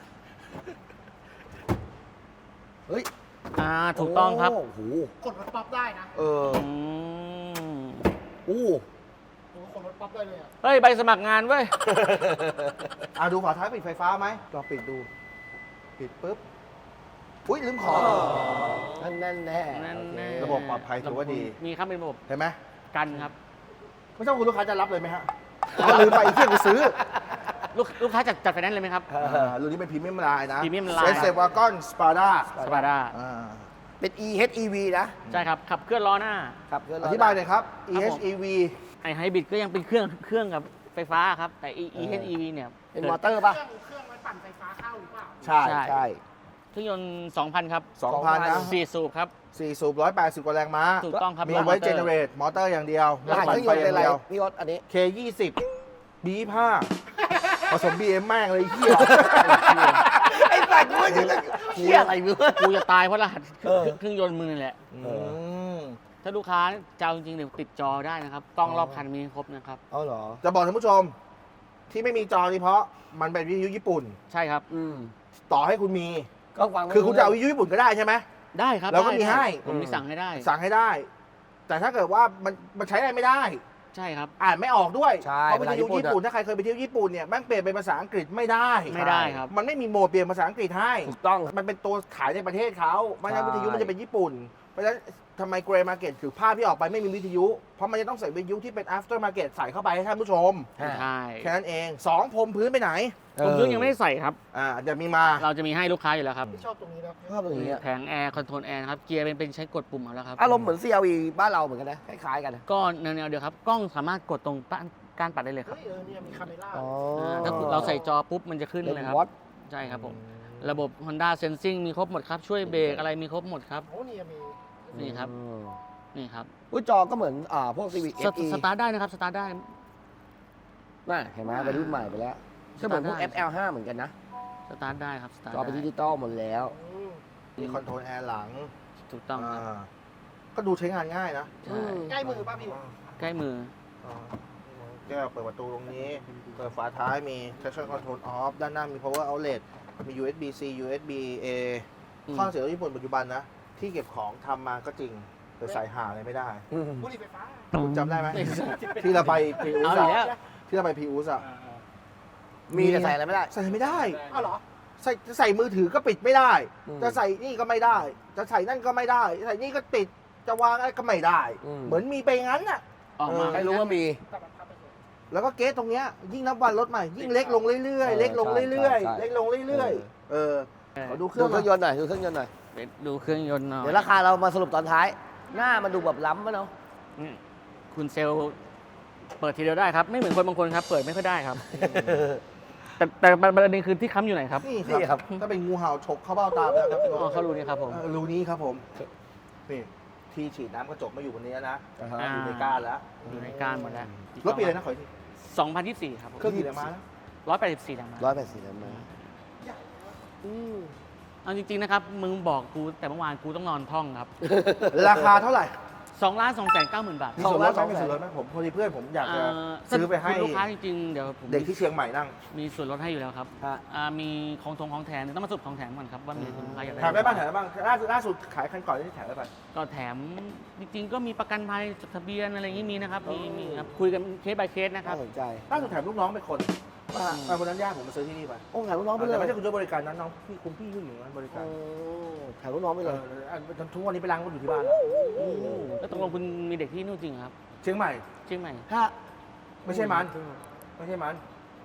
[SPEAKER 3] เฮ้ย
[SPEAKER 1] อ่า ถูกต้องครับ
[SPEAKER 3] โอ้โห
[SPEAKER 4] กดรถป๊อปได้นะ
[SPEAKER 2] เออ
[SPEAKER 1] อืม
[SPEAKER 3] โอ้
[SPEAKER 4] โอ้โหกดรถป๊อปได้เลยอ่ะ
[SPEAKER 1] เฮ้ย ใบสมัครงานเว้ย
[SPEAKER 2] อ่ะดูฝาท้ายปิดไฟฟ้าไหมลองปิดดู ปิดปุ๊บ อุ้ยลืมของ
[SPEAKER 3] นั่นแน่แน่
[SPEAKER 1] นั่นแน่
[SPEAKER 2] ระบบปลอดภัยถือว่าดี
[SPEAKER 1] มีครับเป็นระบบ
[SPEAKER 2] เห็นไหม
[SPEAKER 1] กันครับ
[SPEAKER 2] ไม่ใช่คุณลูกค้าจะรับเลยไหมฮะอ๋อลืมไปไอ้เที่ยกูซื้อ
[SPEAKER 1] ลูกลูกค้าจัดจัดไฟแนนซ์เลยไหมครับ
[SPEAKER 2] อ่ารุ่นนี้เป็นพรีเมียมไลน์นะ
[SPEAKER 1] Premium Line
[SPEAKER 2] เซนเซวากอนสปาด้า
[SPEAKER 1] สปาด้า
[SPEAKER 3] เป็น อี เอช อี วี นะ
[SPEAKER 1] ใช่ครับ ขับเคลื่อนล้อหน้า
[SPEAKER 3] ครับเพื่อน
[SPEAKER 2] อ
[SPEAKER 3] เร
[SPEAKER 2] ธิบายหน่อยครับ อี
[SPEAKER 1] ครับ
[SPEAKER 2] เอช
[SPEAKER 1] ผม
[SPEAKER 2] อี วี
[SPEAKER 1] ไอไฮบริดก็ยังเป็นเครื่องเครื่องกับไฟฟ้าครับ แต่ E เอช อี วี เนี่ย
[SPEAKER 3] เป็นมอเตอร์ป่ะ
[SPEAKER 4] เครื่องเครื่องไว้ปั่นไฟฟ้าเข้าหรือเปล่า
[SPEAKER 2] ใช่
[SPEAKER 1] ใช่
[SPEAKER 3] ใช่
[SPEAKER 1] เครื่องยนต์ สองพัน ครับ
[SPEAKER 2] สองพันนะ
[SPEAKER 1] สี่สูบครับ
[SPEAKER 2] สี่สูบร้อยแปดสิบกว่าแรงม้า
[SPEAKER 1] ถูกต้องครับ
[SPEAKER 2] มีไว้
[SPEAKER 1] มอเต
[SPEAKER 2] เจ
[SPEAKER 1] อร์
[SPEAKER 2] เนเรตมอเตอร์อย่างเดียว
[SPEAKER 3] รหัสเครื่องยนต์เป็นอะไร พี่ยศอันนี้
[SPEAKER 2] เคยี่สิบ บี ห้า ผสม บี เอ็ม แม่งเลยไอ้เฮีย
[SPEAKER 3] ไอ้สัตว์กูจะเชี่ยอะไรมึง
[SPEAKER 1] กูจะตายเพราะรหัส
[SPEAKER 3] เออ
[SPEAKER 1] เครื่องยนต์มือนี่แหละ
[SPEAKER 2] อืม
[SPEAKER 1] ถ้าลูกค้าจะเอาจริงๆเดี๋ยวติดจอได้นะครับ กล้องรอบคันมีครบนะครับ
[SPEAKER 3] เอาเหรอ
[SPEAKER 2] จะบอกท่านผู้ชม ที่ไม่มีจอนี่เพราะมันเป็นวิทยุญี่ปุ่น
[SPEAKER 1] ใช่ครับ
[SPEAKER 3] อืม
[SPEAKER 2] ต่อให้คุณมี
[SPEAKER 3] ก็ฟังไม่
[SPEAKER 2] คือคุณจะเอา
[SPEAKER 3] รู้
[SPEAKER 2] วิทยุญี่ปุ่นก็ได้ใช่ไหม
[SPEAKER 1] ได้ครับ
[SPEAKER 2] เราก็
[SPEAKER 1] ได้
[SPEAKER 2] มีให้
[SPEAKER 1] ผมมีสั่งให้ได้
[SPEAKER 2] สั่งให้ได้ แต่ถ้าเกิดว่ามันมันใช้อะไรไม่ได้
[SPEAKER 1] ใช่ครับ
[SPEAKER 2] อ่านไม่ออกด้วย
[SPEAKER 3] ใช่
[SPEAKER 2] เพราะวิทยุ
[SPEAKER 3] เวลาญี่
[SPEAKER 2] ญี่
[SPEAKER 3] ปุ่
[SPEAKER 2] ปุ่น
[SPEAKER 3] นอะ
[SPEAKER 2] ถ้าใครเคยไปเที่ยวญี่ปุ่นเนี่ยแม่งเปลี่ยนเป็นภาษาอังกฤษไม่ได้
[SPEAKER 1] ไม่ได้ครับ
[SPEAKER 2] มันไม่มีโหมดเปลี่ยนภาษาอังกฤษให้
[SPEAKER 3] ถูกต้อง
[SPEAKER 2] มันเป็นตัวขายในประเทศเขาไม่ใช่
[SPEAKER 3] ใช่
[SPEAKER 2] วิทยุมันจะเป็นญี่ปุ่น เพราะฉะนั้นทำไมเกรย์มาร์เก็ตคือภาพที่ออกไปไม่มีวิทยุ เพราะมันจะต้องใส่วิทยุที่เป็น after market ใส่เข้าไปให้ท่านผู้ชม
[SPEAKER 1] ใช่
[SPEAKER 2] แค่นั้นเองสองพรมพื้นไปไหน
[SPEAKER 1] ผมเครื่องยังไม่ได้ใส่ครับ
[SPEAKER 2] อ่าเดี๋ยวมีมา
[SPEAKER 1] เราจะมีให้ลูกค้าอยู่แล้วครับ
[SPEAKER 4] ที่ชอบตรงนี้นะ
[SPEAKER 3] ชอบอย่างเงี้ย
[SPEAKER 1] แผงแอร์คอนโทรลแอร์นะครับ เกียร์เป็นเป็นใช้กดปุ่มเอาแล้วครับ
[SPEAKER 3] อารมณ์เหมือน ซี แอล อี บ้านเราเหมือนกันนะ คล้ายๆกันนะ
[SPEAKER 1] ก็แนวๆเดียวครับ กล้องสามารถกดตรงป้านการปัดได้เลยค
[SPEAKER 4] เฮ้
[SPEAKER 1] รับ
[SPEAKER 4] ยเออเนี่ยมีคาเมล่า
[SPEAKER 3] อ๋อ
[SPEAKER 1] าถ้าเราใส่จอปุ๊บมันจะขึ้น
[SPEAKER 3] เป็น
[SPEAKER 1] เลยครับ
[SPEAKER 3] วอต
[SPEAKER 1] ใช่ครับผม ระบบ Honda Sensing มีครบหมดครับ ช่วยเบรกอะไรมีครบหมดครับ
[SPEAKER 4] โอ้เนี่ยมี
[SPEAKER 1] นี่ครับ
[SPEAKER 3] อืม
[SPEAKER 1] นี่ครับ
[SPEAKER 3] อุ้ยจอก็เหมือนอ่าพวก ซี วี เอ
[SPEAKER 1] ส
[SPEAKER 3] ฟ อี
[SPEAKER 1] สตาร์ทได้นะครับ สตาร์ทได้
[SPEAKER 3] น่ะเห็นไหมเป็นรุ่นใหม่ไปแล้วก็เหมือนพวก
[SPEAKER 1] ได้
[SPEAKER 3] เอฟ แอล ห้า เหมือนกันนะ
[SPEAKER 1] สตาร์ทได้ครับ สตาร์ท
[SPEAKER 3] จอเป็นดิ
[SPEAKER 1] ได้
[SPEAKER 3] จิตอลหมดแล้ว
[SPEAKER 4] อืม
[SPEAKER 2] มีคอนโทรลแอร์หลัง
[SPEAKER 1] ถูกต้องครับ
[SPEAKER 2] าก็ดูใช้งานง่ายนะ
[SPEAKER 1] ใช่
[SPEAKER 4] ใกล้มือป่ะพี่
[SPEAKER 1] ใกล้มือ
[SPEAKER 2] อ่าแก้วเปิดประตูตรงนี้ เปิดฝาท้ายมี traction control off ด้านหน้ามี power outlet มี ยู เอส บี C ยู เอส บี A
[SPEAKER 1] อืม
[SPEAKER 2] ข้อเสียของญี่ปุ่นปัจจุบันนะ ที่เก็บของทำมาก็จริง แต่ใส่หาอะไรไม่ได้
[SPEAKER 4] บุหรี่ไฟฟ้า
[SPEAKER 2] คุณจำได้ไหม ที่เราไปพีอู
[SPEAKER 1] เอา
[SPEAKER 2] ส
[SPEAKER 1] อีกแล้ว
[SPEAKER 2] ที่เราไปพีอูสอะ
[SPEAKER 3] มีแต่ใส่อะไรไม่ได้
[SPEAKER 2] ใส่ไม่ได้
[SPEAKER 4] อ้าวเหรอ
[SPEAKER 2] ใส่จะใส่มือถือก็ปิดไม่ได้
[SPEAKER 3] อืม
[SPEAKER 2] จะใส่นี่ก็ไม่ได้ จะใส่นั่นก็ไม่ได้ ใส่นี่ก็ติด จะวางอะไรก็ไม่ได้
[SPEAKER 3] อืม
[SPEAKER 2] เหมือนมีไปงั้นน่ะ
[SPEAKER 1] ออกมา
[SPEAKER 3] ใครรู้ว่ามี
[SPEAKER 4] แต่มันทำไปเถอะ
[SPEAKER 2] แล้วก็เกสตรงเนี้ยยิ่งนับวันรถใหม่ ยิ่งเล็กลงเรื่อยๆ เล็กลงเรื่อย
[SPEAKER 3] ใช่
[SPEAKER 2] ๆ เล็กลงเรื่อยๆ เออขอดูเค
[SPEAKER 3] ดู
[SPEAKER 2] รื่อง
[SPEAKER 3] เครื่องย
[SPEAKER 2] หน่อย
[SPEAKER 3] นต์หน่อยดูเครื่องยนต์หน่อย
[SPEAKER 1] ไปดูเครื่องยนต์หน่อย
[SPEAKER 3] เดี๋ยวราคาเรามาสรุปตอนท้าย หน้ามันดูแบบล้ำปะเนาะ
[SPEAKER 1] นี่คุณเซลล์เปิดทีเดียวได้ครับ ไม่เหมือนคนบางคนครับ เปิดไม่ค่อยได้ครับ แต่แต่ประเด็นคือที่ค้ำอยู่ไหนครับ
[SPEAKER 2] นี่
[SPEAKER 3] นี่
[SPEAKER 2] ค
[SPEAKER 3] ครั
[SPEAKER 2] รับ บ ถ้าเป็นงูเห่าฉกเข้าเบ้าตาไปแล้วครับ
[SPEAKER 1] อ๋อเขารู้นี่ครับผม
[SPEAKER 2] เออรูนี้ครับผม นี่ ที่ฉีดน้ำกระจกมาอยู่บนนี้นะ
[SPEAKER 3] อ่าฮะ
[SPEAKER 1] อ่า
[SPEAKER 2] อยู่ในก้านแล้ว
[SPEAKER 1] อยู่ในก้านหมดแล้ว
[SPEAKER 2] รถปีอะไรนะขออีกที
[SPEAKER 1] สองพันยี่สิบสี่ครับผม
[SPEAKER 2] เครื่องกี่แรงม้านะ
[SPEAKER 1] ร้อยแปดสิบสี่แรงม้า
[SPEAKER 3] ร้อยแปดสิบแรงม้า
[SPEAKER 1] เอาจริงๆนะครับ มึงบอกกูแต่เมื่อวานกูต้องนอนท่องครับ
[SPEAKER 2] ราคาเท่าไหร่
[SPEAKER 1] สองล้านสองแสนเก้าหมื่นบาท
[SPEAKER 2] มีส่วนลดไหมมีส่วนลดไหมผมพอดีเพื่อนผมอยากจะ
[SPEAKER 1] เ
[SPEAKER 2] ซื้อไปให้
[SPEAKER 1] คุณลูกค้าจริงๆ เดี๋ยวผม
[SPEAKER 2] เด็กที่เชียงใหม่นั่ง
[SPEAKER 1] มีส่วนลดให้อยู่แล้วครับ
[SPEAKER 3] ฮะ
[SPEAKER 1] อ่ามีของทงของแถมต้องมาสรุปของแถมก่อนครับว่ามีคุณลูกค้าอยากได้
[SPEAKER 2] แถมได้บ้างแถมได้บ้างล่าสุดล่าสุดขายคันก่อนที่แถมได้ป่ะ
[SPEAKER 1] ก็แถมจริงๆ ก็มีประกันภัยจดทะเบียนอะไรอย่างนี้มีนะครับ มีมีครับคุยกันเคส by เคสนะครับ
[SPEAKER 3] น่าสนใจ
[SPEAKER 2] ล่าสุดแถมลูกน้องไปคน
[SPEAKER 3] ว่า
[SPEAKER 2] ไปคนนั้นญาติผมมาซื้อที่นี่ไป
[SPEAKER 3] โอ้ถ่ายลูกน้องไปเล
[SPEAKER 2] แต่
[SPEAKER 3] ย
[SPEAKER 2] ไม่ใช่คุณช่วยบริการนั้นน้องพี่คุณพี่ผู้หญิงนั้นบริการ
[SPEAKER 3] โอ้ถ่ายลูกน้องไป
[SPEAKER 2] เอ
[SPEAKER 3] เลย
[SPEAKER 2] อทุกวันนี้ไปล้างรถอยู่ที่บ้านแล้ว
[SPEAKER 1] แล้วตกลงคุณมีเด็กที่นู่นจริงเหรอครับ
[SPEAKER 2] เชียงใหม่
[SPEAKER 1] เชียงใหม่
[SPEAKER 3] ถ้า
[SPEAKER 2] ไม่ใช่มันไม่ใช่มัน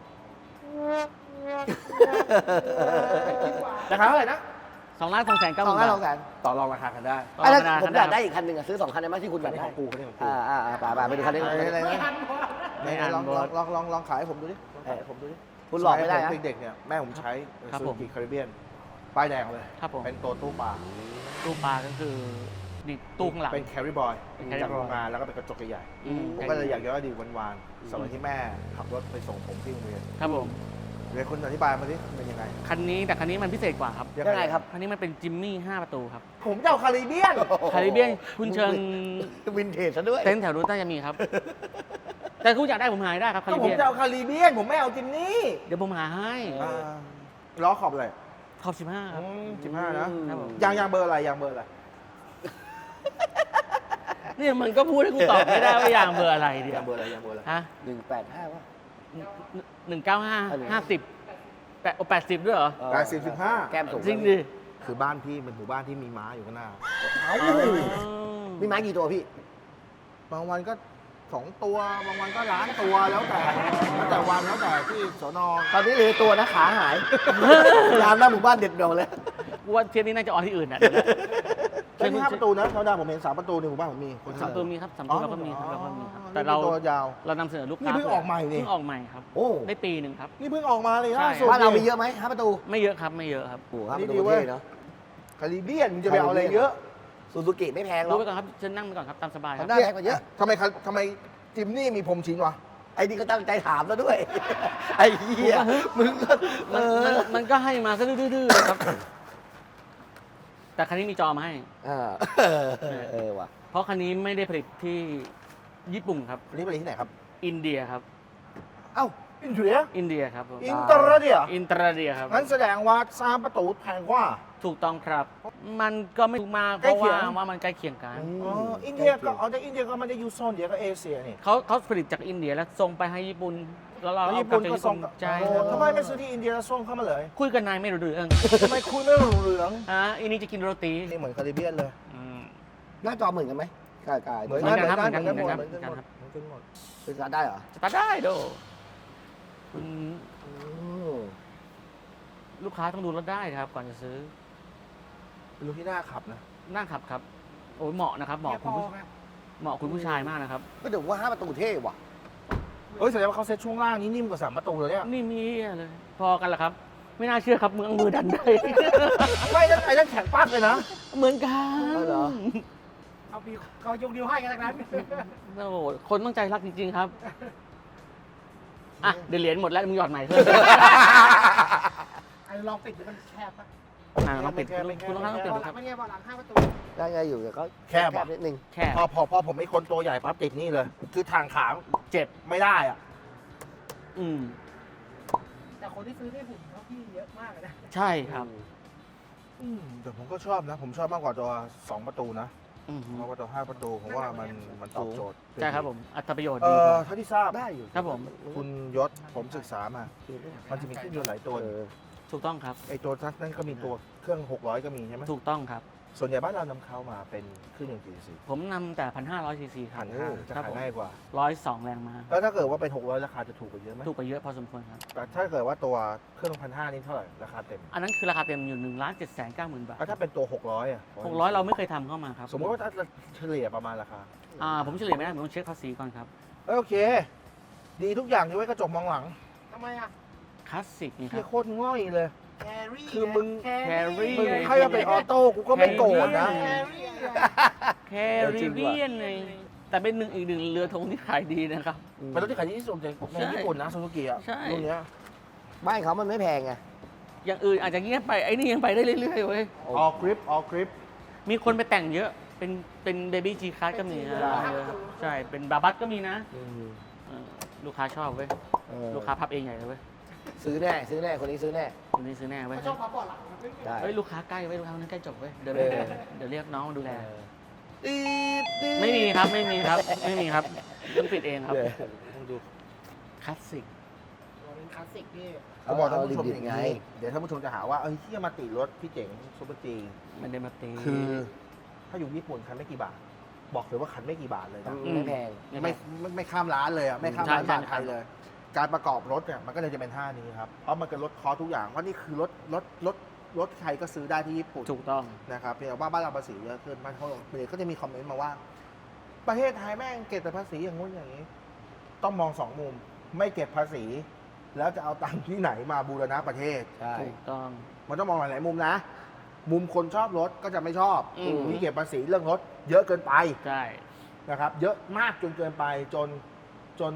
[SPEAKER 2] ราคาเท่าไหร่นะ
[SPEAKER 1] สองล้านสองแสนเก้าห
[SPEAKER 3] สอ
[SPEAKER 1] มื่
[SPEAKER 3] ง
[SPEAKER 1] น
[SPEAKER 3] ล้าน
[SPEAKER 1] บา
[SPEAKER 3] ส
[SPEAKER 1] ท
[SPEAKER 3] องแสน
[SPEAKER 2] ต่อรองราคากันได้
[SPEAKER 1] ต่อ
[SPEAKER 3] อ่ะแล้ว
[SPEAKER 1] ธรรมดา
[SPEAKER 3] ผมอยาก
[SPEAKER 1] ธรรมดา
[SPEAKER 3] ได้อีกคันหนึ่งอะซื้อสองคันได้ไหมที่คุณอ
[SPEAKER 2] คัน
[SPEAKER 3] ยาก
[SPEAKER 2] นี้
[SPEAKER 3] ได้
[SPEAKER 2] ของกูคันนี้ของกู
[SPEAKER 3] อ่าอ่าอ่าป่าป่าไปดูคันนี้
[SPEAKER 2] อะไรอะไร
[SPEAKER 4] ไม่
[SPEAKER 2] นะ
[SPEAKER 4] ทันวะ
[SPEAKER 2] ไหนๆลองลองลองลองลองขายให้ผมดูดิลองขายให้ผมดูดิ
[SPEAKER 3] คุณหลอกไม่ได้
[SPEAKER 2] สย
[SPEAKER 3] นะ
[SPEAKER 2] ผมเด็กๆเนี่ยแม่ผมใช้
[SPEAKER 1] ครับ
[SPEAKER 2] ซู
[SPEAKER 1] ผม
[SPEAKER 2] กิคาริเบียนป้ายแดงเลย
[SPEAKER 1] ครับผม
[SPEAKER 2] เป็นตัวตู้ปลา
[SPEAKER 1] ตู้ปลาก็คือนี่ตู้ข้างหลัง
[SPEAKER 2] เป็นแคริบอย
[SPEAKER 1] เป็น carry
[SPEAKER 2] จาก
[SPEAKER 1] boy
[SPEAKER 2] โรงงานแล้วก็เป็นกระจกใหญ่
[SPEAKER 1] อืม
[SPEAKER 2] ๆผมก็เลยอยากย้อนอดีตวันๆสมัยที่แม่ขับรถไปส่งผมที่โรงเรียน
[SPEAKER 1] ครับผม
[SPEAKER 2] ผเดี๋ยวคุณอธิบายมาดิเป็นยังไง
[SPEAKER 1] คันนี้แต่คันนี้มันพิเศษกว่าครับ
[SPEAKER 3] ยังไงครับ
[SPEAKER 1] คันนี้มันเป็นจิมมี่ห้าประตูครับ
[SPEAKER 2] ผมจะเอาคาริเบียน
[SPEAKER 1] คาริเบียนคุณเชิญ
[SPEAKER 3] วินเทจซะด้วย
[SPEAKER 1] เต็นท์แถวนู้นน่าจะมีครับ แต่คุณอยากได้ผมหาได้ครับคา
[SPEAKER 2] ก็
[SPEAKER 1] ริ
[SPEAKER 2] ผม
[SPEAKER 1] เบียน
[SPEAKER 2] จะเอาคาริเบียน ผมไม่เอาจิมนี่
[SPEAKER 1] เดี๋ยวผมหาให้
[SPEAKER 2] อ่าล้อขอบเลย
[SPEAKER 1] ขอบสิบห้าครับ
[SPEAKER 2] สิบห้านะ
[SPEAKER 1] ครับผม
[SPEAKER 2] ยางยางเบอร์อะไรยางเบอร์อะไร
[SPEAKER 1] เนี่ยมันก็พูดให้กูตอบไม่ได้ว่ายางเบอร์อะไรเดีย
[SPEAKER 2] ยางเบอร์อะไรยางเบอร์อะไร
[SPEAKER 1] ฮะ
[SPEAKER 3] หนึ่งแปดห้าป่ะ
[SPEAKER 1] หนึ่งเก้าห้า
[SPEAKER 3] อันนี้
[SPEAKER 1] ห้าสิบแปดแปดสิบด้วยเหรอ
[SPEAKER 2] แปดสิบสิบห้า
[SPEAKER 3] แก้มสูง
[SPEAKER 1] จริงดิ
[SPEAKER 2] คือบ้านพี่เป็นหมู่บ้านที่มีม้าอยู่ข้างหน้า
[SPEAKER 3] มีไม้กี่ตัวพี่
[SPEAKER 2] บางวันก็สองตัว บางวันก็ล้านตัวแล้วแต่แล้วแต่วันแล้วแต่ที่สน
[SPEAKER 3] ตอนนี้เหลือตัวนะขาหาย ยามหน้าหมู่บ้านเด็ดดอกเลย
[SPEAKER 1] กูว่าเทียบนี้น่าจะออนที่อื่นอ่ะ
[SPEAKER 2] ไม่มีห้าประตูนะธรรมดาผมเห็นสามประตูในหมู่บ้านผมมีคน
[SPEAKER 1] สามตัวมีครับสาม
[SPEAKER 2] อ๋
[SPEAKER 1] ตั
[SPEAKER 2] อ
[SPEAKER 1] วเราก็มีครับเราก็มีครับ
[SPEAKER 2] อ๋อ
[SPEAKER 1] แต่เรา
[SPEAKER 2] นี่ตัวยาว
[SPEAKER 1] เรานำเสนอลูกค้า
[SPEAKER 2] นี่เพิ่งออกใหม่นี่
[SPEAKER 1] เพิ่งออกใหม่ครับ
[SPEAKER 3] โอ้
[SPEAKER 1] ได้ปีหนึ่งครับ
[SPEAKER 2] นี่เพิ่งออกมาเลย
[SPEAKER 1] ใช่
[SPEAKER 2] ล่าสุด
[SPEAKER 3] บ้านเรามีเยอะไหมห้าประตู
[SPEAKER 1] ไม่เยอะครับไม่เยอะครับ
[SPEAKER 3] โอ้ห้าป
[SPEAKER 2] นี่
[SPEAKER 3] ระตู
[SPEAKER 2] ดีเว้ย
[SPEAKER 3] เท่เนาะ
[SPEAKER 2] คาริเบียนมึงจะไปเอาอะไรเยอะ
[SPEAKER 3] ซูซูกิไม่แพงหร
[SPEAKER 1] ดู
[SPEAKER 3] อก
[SPEAKER 1] ไปก่อนครับเชิญนั่งไปก่อนครับตามสบายครับ
[SPEAKER 3] ทำได้แพงกว่าเยอะ
[SPEAKER 2] ทำไมคาทำไมจิมนี่มีพรมชิ้นวะ
[SPEAKER 3] ไอ้นี่ก็ตั้งใจถามแล้วด้วย ไอ้เหี้ยมึงก็เอ
[SPEAKER 1] มันมัน
[SPEAKER 3] อ
[SPEAKER 1] มันก็ให้มาซะดื้อๆเลยครับ แต่คันนี้มีจอมาให้
[SPEAKER 3] อ่าเออเออว่ะ
[SPEAKER 1] เพราะคันนี้ไม่ได้ผลิตที่ญี่ปุ่นครับ
[SPEAKER 2] อันนี้เป็นที่ไหนครับ
[SPEAKER 1] อินเดียครับ
[SPEAKER 2] เอ้าอินเดีย
[SPEAKER 1] อินเดียครับผม
[SPEAKER 2] อินเตอร์เดีย
[SPEAKER 1] อินเตอร์เดียครับ
[SPEAKER 2] งั้นแสดงว่าสามประตูแพงกว่า
[SPEAKER 1] ถูกต้องครับ มันก็ไม่ถูกมากเพ
[SPEAKER 2] ใกล้
[SPEAKER 1] ราะ
[SPEAKER 2] เคีย
[SPEAKER 1] ว่าง ว่ามันใกล้เคียงกัน
[SPEAKER 2] อ๋ออินเดียก็เอาจากอินเดียก็มันจะอยู่โซนเดียวกับเอเชียนี่
[SPEAKER 1] เขาเขาผลิตจากอินเดียแล้วส่งไปให้ญี่ปุ่น แล้วเรา
[SPEAKER 2] แล้ว
[SPEAKER 1] เอา
[SPEAKER 2] ญี่
[SPEAKER 1] กลั
[SPEAKER 2] ปุ่
[SPEAKER 1] บ
[SPEAKER 2] น
[SPEAKER 1] จาก
[SPEAKER 2] ก็
[SPEAKER 1] ญี่
[SPEAKER 2] ส่
[SPEAKER 1] ปุ่
[SPEAKER 2] ง
[SPEAKER 1] นใช่
[SPEAKER 2] โอ้
[SPEAKER 1] ครับ
[SPEAKER 2] ทำไมไม่ซื้อที่อินเดียแล้วส่งเข้ามาเลย
[SPEAKER 1] คุยกันนายไม่รู้เรื่อง
[SPEAKER 2] ทำไมคุณไม่รู้เรื่อง
[SPEAKER 1] อ่ะอันนี้จะกินโรตี
[SPEAKER 2] นี่เหมือนคาริเบียนเลย
[SPEAKER 1] อืม
[SPEAKER 3] หน้าจอเหมือนกันไหมกายกาย
[SPEAKER 2] เหมือน
[SPEAKER 1] เหมือนกันครับ
[SPEAKER 2] เหมือนกัน
[SPEAKER 1] เหมือนกัน
[SPEAKER 2] เหมือนกัน
[SPEAKER 1] เหมือนกัน
[SPEAKER 2] หมด
[SPEAKER 1] ครับ
[SPEAKER 2] เหมือนกันหมด
[SPEAKER 3] เป็นการได้เหรอ
[SPEAKER 1] สตาร์ทได้โดคุณ
[SPEAKER 3] อืม
[SPEAKER 1] ลูกค้าต้องดูรถได้ครับ ก่อนจะซื้อ
[SPEAKER 2] เป็นลูกที่น่าขับนะ
[SPEAKER 1] นั่งขับครับ โอ้ยเหมาะนะครับ เหมาะคุณผู้เหมาะคุณผู้ชายมากนะครับ
[SPEAKER 3] ก็เดี๋ยวว่าห้าประตูเท่ว่ะ
[SPEAKER 2] เอ้ยแสดงว่าเขาเซ็ตช่วงล่างนี้นิ่มกว่าสามประตูเลยเนี่ย
[SPEAKER 1] นี่มีเลย พอกันเหรอครับ ไม่น่าเชื่อครับมือเอามือดันได้
[SPEAKER 2] ไม่นั่นไอ้นั่นแข็งปั๊กเลยนะ
[SPEAKER 1] เหมือนกัน
[SPEAKER 3] เอาเหรอ
[SPEAKER 4] เอาพี่เขายกนิ้วให้กันทั้งนั้น
[SPEAKER 1] โอ้โหคนต้องใจรักจริงๆครับ อ่ะ เดี๋ยวเหรียญหมดแล้วมึงหยอดใหม่เพิ่ม
[SPEAKER 4] ไอ้ลองปิดดูมันแคบปะ
[SPEAKER 1] อ่ะลองปิดคุณต้องต้องปิด
[SPEAKER 4] เบาะ
[SPEAKER 1] ดู
[SPEAKER 4] ห
[SPEAKER 1] ค
[SPEAKER 4] ลั
[SPEAKER 1] รั
[SPEAKER 4] ง
[SPEAKER 1] บ
[SPEAKER 4] ไม่ใช่เบาะหลังห้าประตู
[SPEAKER 3] ได้ไงอยู่แต่ก็
[SPEAKER 2] แคบอะ
[SPEAKER 3] นิดนึง
[SPEAKER 1] แค่
[SPEAKER 2] พอพอพอผมไม่คนตัวใหญ่ปั๊บติดนี่เลย คือทางขา
[SPEAKER 1] เจ็บ
[SPEAKER 2] ไม่ได้อ่ะ
[SPEAKER 1] อืม
[SPEAKER 4] แต่คนที่ซื้อได้หุ่นเขาพี่เยอะมากเลยนะ
[SPEAKER 1] ใช่ครับ
[SPEAKER 2] อืมแต่ผมก็ชอบนะ ผมชอบมากกว่าตัวสองประตูนะ
[SPEAKER 1] อืม
[SPEAKER 2] เพราะว่าตัวห้าประตูผมว่ามันมันตอบโจทย์
[SPEAKER 1] ใช่ครับผม อัตราประโยชน์
[SPEAKER 2] เอ
[SPEAKER 1] ดีก
[SPEAKER 2] อ
[SPEAKER 1] ว่า
[SPEAKER 2] เท่าที่ทราบ
[SPEAKER 3] ได้อยู่
[SPEAKER 1] ครับผม
[SPEAKER 2] คุณยศผมศึกษามา มันจะมีเครื่องยนต์หลายตัว
[SPEAKER 3] เออ
[SPEAKER 1] ถูกต้องครับ
[SPEAKER 2] ไอตัวทักนั้นก็มีตัวเครื่องหกร้อยก็มีใช่ไหม
[SPEAKER 1] ถูกต้องครับ
[SPEAKER 2] ส่วนใหญ่บ้านเรานำเข้ามาเป็นเครื่องยนต์กี่ซี
[SPEAKER 1] ผมนำแต่พันห้าร้อยซีซีครั
[SPEAKER 2] พั
[SPEAKER 1] บ
[SPEAKER 2] นห้าจะ
[SPEAKER 1] ครับ
[SPEAKER 2] ขาย
[SPEAKER 1] ผม
[SPEAKER 2] ง่ายกว่า
[SPEAKER 1] ร้อยสองแรงม้า
[SPEAKER 2] แล้วถ้าเกิดว่าเป็นหกร้อยราคาจะถูกกว่าเยอะไหม
[SPEAKER 1] ถูกไปเยอะพอสมควรครับ
[SPEAKER 2] แต่ถ้าเกิดว่าตัวเครื่องพันห้านี่เท่าไหร่ราคาเต็ม
[SPEAKER 1] อันนั้นคือราคาเต็มอยู่หนึ่งล้านเจ็ดแสนเก้าหมื่นบาท
[SPEAKER 2] แล้วถ้าเป็นตัวหกร้อยอ่ะ
[SPEAKER 1] หกร้อยเราไม่เคยทำเข้ามาครับ
[SPEAKER 2] สมมติว่าถ้าเฉลี่ยประมาณราคา
[SPEAKER 1] อ่าผมเฉลี่ยไม่ได้ผมต้องเช็คภาษีก่อนครับ
[SPEAKER 2] เอ้ยโอเค ดีทุกอย่างยกเว้นกระจกมองหลัง
[SPEAKER 4] ทำไมอ่ะ
[SPEAKER 1] คลาสสิกนี่ค
[SPEAKER 2] เฮี
[SPEAKER 1] รั
[SPEAKER 2] ย
[SPEAKER 1] บ
[SPEAKER 2] โคตรง่อยเลย
[SPEAKER 4] แครี่
[SPEAKER 2] คือมึง
[SPEAKER 4] แค
[SPEAKER 1] แครี่
[SPEAKER 2] มึงให้มาเป็นออโต้กูก็ไม่โกรธนะ
[SPEAKER 4] แครี่อะ
[SPEAKER 1] แคริเบียนเลยแต่เป็นหนึ่งอีกหนึ่งเรือธงที่ขายดีนะครับ
[SPEAKER 2] เป็นรถที่ขายดีที่สุดในใน
[SPEAKER 1] ใช่
[SPEAKER 2] ญี่ปุ่นนะซูซูกิอ่ะ
[SPEAKER 1] ใช่
[SPEAKER 2] รุ่นเนี้ย
[SPEAKER 3] บ้านเขามันไม่แพงไง
[SPEAKER 1] อย่างอื่นอาจจะเงียบไปไอ้นี่ยังไปได้เรื่อยๆเว้ย
[SPEAKER 2] ออกกริปออกกริป
[SPEAKER 1] มีคนไปแต่งเยอะ เป็นเป็นเบบี้จีคัสก็มีนะเออใช่ เป็นบาบัสก็มีนะเออลูกค้าชอบเว้ย
[SPEAKER 3] เออ
[SPEAKER 1] ลูกค้าพับเองใหญ่เลยเว้ย
[SPEAKER 3] ซื้อแน่ซื้อแน่คนนี้ซื้อแน่
[SPEAKER 1] คนนี้ซื้อแน่เว้ย
[SPEAKER 4] เขาชอบพับเบาะหลัง
[SPEAKER 3] ได้
[SPEAKER 1] เฮ้ยลูกค้าใกล้เว้ยลูกค้าคนนั้นใกล้จบเว้ยเดี๋ยว
[SPEAKER 3] เออ
[SPEAKER 1] เดี๋ยวเรียกน้องมาดูแล
[SPEAKER 2] ตีดตีด
[SPEAKER 1] ไม่มีครับไม่มีครับไม่มีครับต้องปิดเองครับ
[SPEAKER 3] เออ
[SPEAKER 2] ต้องดู
[SPEAKER 1] คลาสสิก
[SPEAKER 4] เป็นคลาสสิกพี่
[SPEAKER 2] เขาบอกท่านผู้ชม
[SPEAKER 3] ดิบ
[SPEAKER 2] อย่าง
[SPEAKER 3] ๆไง
[SPEAKER 2] นี้เดี๋ยวท่านผู้ชมจะหาว่าเอ้ยเฮียมาติรถพี่เจ๋งซูเปอร์จี
[SPEAKER 1] มันได้มาตี
[SPEAKER 2] คือ ถ้าอยู่ญี่ปุ่นคันไม่กี่บาท บอกเลยว่าคันไม่กี่บาทเลยนะ
[SPEAKER 3] ไม่แพง
[SPEAKER 2] ไม่ไม่ไม่ข้ามร้านเลยอ่ะไม่ข้ามร้าน
[SPEAKER 1] ใช่
[SPEAKER 2] บาทไทยเลย การประกอบรถเนี่ยมันก็เลยจะเป็นท่านี้ครับเพราะมันเป็นรถคอร์สทุกอย่างเพราะนี่คือรถรถรถรถใครก็ซื้อได้ที่ญี่ปุ่น
[SPEAKER 1] ถูกต้อง
[SPEAKER 2] นะครับเพียงแต่ว่าบ้านเราภาษีเยอะขึ้นบ้านเขาเดี๋ยวก็จะมีคอมเมนต์มาว่า ประเทศไทยแม่งเก็บแต่ภาษีอย่างงู้นอย่างนี้ ต้องมองสองมุม ไม่เก็บภาษี แล้วจะเอาตังค์ที่ไหนมาบูรณะประเทศ
[SPEAKER 3] ใช่
[SPEAKER 1] ถูกต้อง
[SPEAKER 2] มันต้องมองหลาย ๆ มุมนะ มุมคนชอบรถก็จะไม่ชอบ
[SPEAKER 1] อืม
[SPEAKER 2] ที่เก็บภาษีเรื่องรถ เยอะเกินไป
[SPEAKER 1] ใช่
[SPEAKER 2] นะครับ เยอะมากจนเกินไปจนจน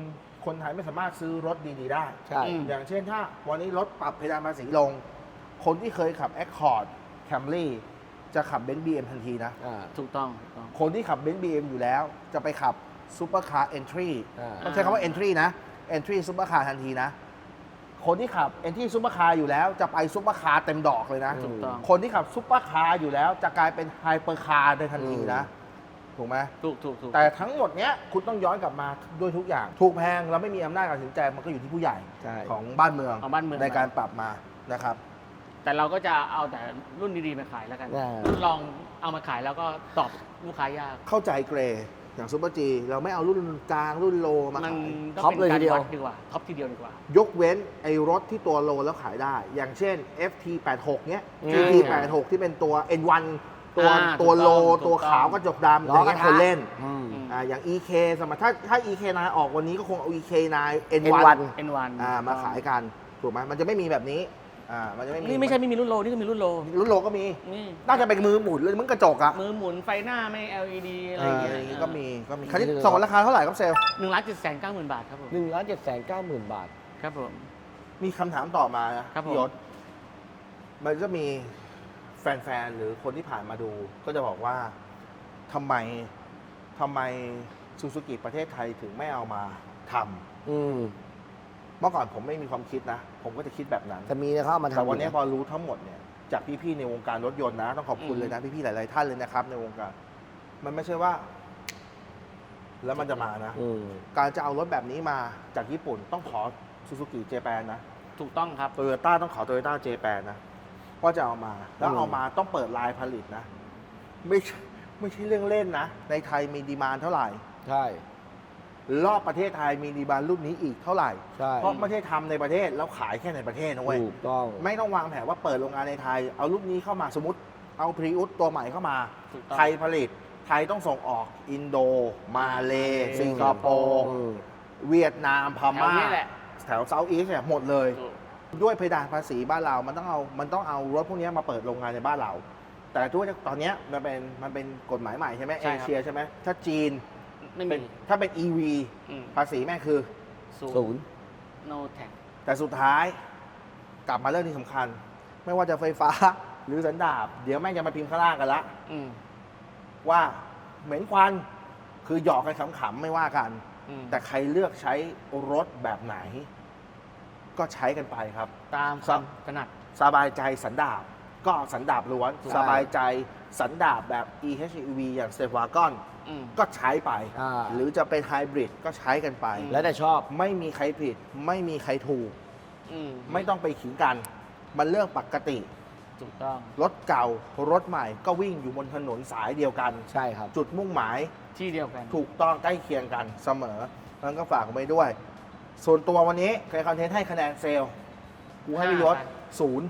[SPEAKER 2] คนไทยไม่สามารถซื้อรถดีๆได้
[SPEAKER 3] ใช่
[SPEAKER 1] อืม
[SPEAKER 2] อย่างเช่นถ้าวันนี้รถปรับเพดานภาษีลง คนที่เคยขับ Accord Camry จะขับ Benz บี เอ็ม ทันทีนะ
[SPEAKER 3] อ่า
[SPEAKER 1] ถูกต้องถูกต้อง
[SPEAKER 2] คนที่ขับ Benz บี เอ็ม อยู่แล้ว จะไปขับ Supercar Entry
[SPEAKER 3] อ่า
[SPEAKER 2] ต้องใช้คำว่า Entry นะ Entry Supercar ทันทีนะ คนที่ขับ Entry Supercar อยู่แล้วจะไป Supercar เต็มดอกเลยนะ
[SPEAKER 1] ถูกต้อง
[SPEAKER 2] คนที่ขับ Supercar อยู่แล้วจะกลายเป็น Hypercar ในทันทีนะ ถูกไหม
[SPEAKER 1] ถูกถูกถูก
[SPEAKER 2] แต่ทั้งหมดเนี้ยคุณต้องย้อนกลับมาด้วยทุกอย่าง ถูกแพงเราไม่มีอำนาจการตัดสินใจมันก็อยู่ที่ผู้ใหญ่
[SPEAKER 3] ใช่
[SPEAKER 2] ของบ้านเมือง
[SPEAKER 1] ของบ้านเมือง
[SPEAKER 2] ในการปรับมานะครับ
[SPEAKER 1] แต่เราก็จะเอาแต่รุ่นดีๆมาขายแล้วกัน
[SPEAKER 3] อ่า
[SPEAKER 1] รุ่นลองเอามาขายแล้วก็ตอบลูกค้ายาก
[SPEAKER 2] เข้าใจเกรย์อย่างซูเปอร์จีเราไม่เอารุ่นกลางรุ่นโลมา
[SPEAKER 1] มัน
[SPEAKER 2] ขาย
[SPEAKER 1] ก็
[SPEAKER 3] ท็อป
[SPEAKER 1] เป็น
[SPEAKER 3] เลยที
[SPEAKER 1] การ
[SPEAKER 3] เดียว
[SPEAKER 1] วัดดีกว่าท็อปทีเดียวดีกว่า
[SPEAKER 2] ยกเว้นไอ้รถที่ตัวโลแล้วขายได้ อย่างเช่น เอฟ ที แปดสิบหก เนี้ย
[SPEAKER 3] อืม
[SPEAKER 2] จี ที แปดสิบหก ที่เป็นตัว เอ็น วัน ตัว
[SPEAKER 1] อ่า
[SPEAKER 2] ตัวโล
[SPEAKER 1] ถูกต้อง
[SPEAKER 2] ตัว
[SPEAKER 1] ถูกต้อง
[SPEAKER 2] ขาวกระจกดำอ
[SPEAKER 3] ล้อย่าง
[SPEAKER 2] เงี้ย
[SPEAKER 3] กระทะ
[SPEAKER 2] คนเล่น
[SPEAKER 3] อืม
[SPEAKER 1] อืม
[SPEAKER 2] อ่าอย่าง อี เค สมมติถ้าถ้า อี เค ไนน์ ออกวันนี้ก็คงเอา อี เค ไนน์ เอ็น
[SPEAKER 3] เอ็น
[SPEAKER 2] วั
[SPEAKER 3] วัน น
[SPEAKER 1] เอ็นวัน
[SPEAKER 2] อ่ามาขายกันถูกไหมมันจะไม่มีแบบนี้อ่ามันจะไม่มี
[SPEAKER 1] นี่ไม่ใช่ไม่มีรุ่นโลนี่ก็มีรุ่นโล
[SPEAKER 2] รุ่นโลก็มี
[SPEAKER 1] นี่
[SPEAKER 2] น่าจะเป็นมือหมุนเลยมึงกระจกอะ
[SPEAKER 1] มือหมุนไฟหน้าไม่ แอล อี ดี อะไร
[SPEAKER 2] อ่า
[SPEAKER 1] อย่างเงี้ย
[SPEAKER 2] อย่างงี้ก็มีก็มีคันนี้ส่งราคาเท่าไหร่ครับเซลล
[SPEAKER 1] หนึ่งล้านเจ็ดแสนเก้าหมื่นบาทครับผม
[SPEAKER 3] หนึ่งล้านเจ็ดแสนเก้าหมื่นบาท
[SPEAKER 1] ครับผม
[SPEAKER 2] มีคำถามต่อมานะครับ
[SPEAKER 1] ผม
[SPEAKER 2] พี่ยศมันจะมีแฟนๆ หรือคนที่ผ่านมาดู ก็จะบอกว่าทำไมทำไมซูซูกิประเทศไทยถึงไม่เอามาทำ
[SPEAKER 3] อืม
[SPEAKER 2] เมื่อก่อนผมไม่มีความคิดนะ ผมก็จะคิดแบบนั้น
[SPEAKER 3] จะมีนะเขาเอามาทำ
[SPEAKER 2] แต่วันนี้
[SPEAKER 3] อยู่
[SPEAKER 2] พอรู้ทั้งหมดเนี่ยจากพี่ๆ ในวงการรถยนต์นะ ต้องขอบคุณเลยนะ พี่ๆ หลายๆ ท่านเลยนะครับ ในวงการ มันไม่ใช่ว่า แล้วมันจะมานะ
[SPEAKER 3] อืม
[SPEAKER 2] การจะเอารถแบบนี้มาจากญี่ปุ่นต้องขอซูซูกิเจแปนนะ
[SPEAKER 1] ถูกต้องครับ
[SPEAKER 2] โตโยต้าต้องขอโตโยต้าเจแปนนะว่าจะเอามา แล้ว
[SPEAKER 3] อืม
[SPEAKER 2] เอามาต้องเปิดลายผลิตนะ ไม่ใช่ไม่ใช่เรื่องเล่นนะ ในไทยมีดีมานด์เท่าไหร่
[SPEAKER 3] ใช่
[SPEAKER 2] รอบประเทศไทยมีดีมานด์รุ่นนี้อีกเท่าไหร่
[SPEAKER 3] ใช่
[SPEAKER 2] เพราะไม่ใช่ทำในประเทศแล้วขายแค่ในประเทศนะเว้ย
[SPEAKER 3] ถูกต้อง
[SPEAKER 2] ไม่ต้องวางแผนว่าเปิดโรงงานในไทย เอารุ่นนี้เข้ามาสมมติเอาพรีอุสตัวใหม่เข้ามา
[SPEAKER 1] ถูกต้อง
[SPEAKER 2] ไทยผลิต ไทยต้องส่งออกอินโด มาเลสิงคโปร์
[SPEAKER 3] อืม
[SPEAKER 2] เวียดนามพ
[SPEAKER 1] แถว
[SPEAKER 2] ม่า
[SPEAKER 1] นี้แหละ
[SPEAKER 2] แถวเซาท์อีสเนี่ยหมดเลย
[SPEAKER 1] ถูก
[SPEAKER 2] ด้วยเพดานภาษีบ้านเรา มันต้องเอา มันต้องเอารถพวกนี้มาเปิดโรงงานในบ้านเรา แต่ทุกตอนเนี้ยมันเป็น มันเป็นกฎหมายใหม่ใช่ไหม
[SPEAKER 1] ใช่
[SPEAKER 2] เอ
[SPEAKER 1] ครับ
[SPEAKER 2] เชียใช่ไหม ถ้าจีน
[SPEAKER 1] ไม่
[SPEAKER 2] เป็
[SPEAKER 1] มี
[SPEAKER 2] นถ้าเป็น อี วี
[SPEAKER 1] อืม
[SPEAKER 2] ภาษีแม่งคือ
[SPEAKER 1] ศู
[SPEAKER 3] ศู
[SPEAKER 1] น
[SPEAKER 3] น
[SPEAKER 1] ย์
[SPEAKER 3] ย์
[SPEAKER 1] no tax
[SPEAKER 2] แต่สุดท้าย กลับมาเรื่องที่สำคัญ ไม่ว่าจะไฟฟ้า หรือสันดาป เดี๋ยวแม่งจะมาพิมพ์ข้างล่างกันละ
[SPEAKER 1] อืม
[SPEAKER 2] ว่าเหม็นควัน คือหยอกกันขำๆไม่ว่ากัน
[SPEAKER 1] อืม
[SPEAKER 2] แต่ใครเลือกใช้รถแบบไหน ก็ใช้กันไปครับ
[SPEAKER 1] ตามความถนัด
[SPEAKER 2] สบายใจสันดาปก็สันดาปล้วน
[SPEAKER 3] ใช่
[SPEAKER 2] สบายใจสันดาปแบบ อี เอช อี วี อย่าง s t e p w a g o n
[SPEAKER 1] อืม
[SPEAKER 2] ก็ใช้ไป
[SPEAKER 3] อ่า
[SPEAKER 2] หรือจะเป็นไฮบริดก็ใช้กันไป
[SPEAKER 1] อืม
[SPEAKER 3] แล้วแต่ชอบ
[SPEAKER 2] ไม่มีใครผิด ไม่มีใครถูก
[SPEAKER 1] อืม
[SPEAKER 2] ไม่ต้องไปขิงกัน มันเรื่องปกติ
[SPEAKER 1] ถูกต้อง
[SPEAKER 2] รถเก่ารถใหม่ก็วิ่งอยู่บนถนนสายเดียวกัน
[SPEAKER 3] ใช่ครับ
[SPEAKER 2] จุดมุ่งหมาย
[SPEAKER 1] ที่เดียวกัน
[SPEAKER 2] ถูกต้องใกล้เคียงกันเสมอนั้นก็ฝากไว้ด้วย ส่วนตัววันนี้ใครคอนเทนต์ให้คะแนนเซลล์กูให้พี่ยศ
[SPEAKER 1] ห้า
[SPEAKER 2] ศูนย์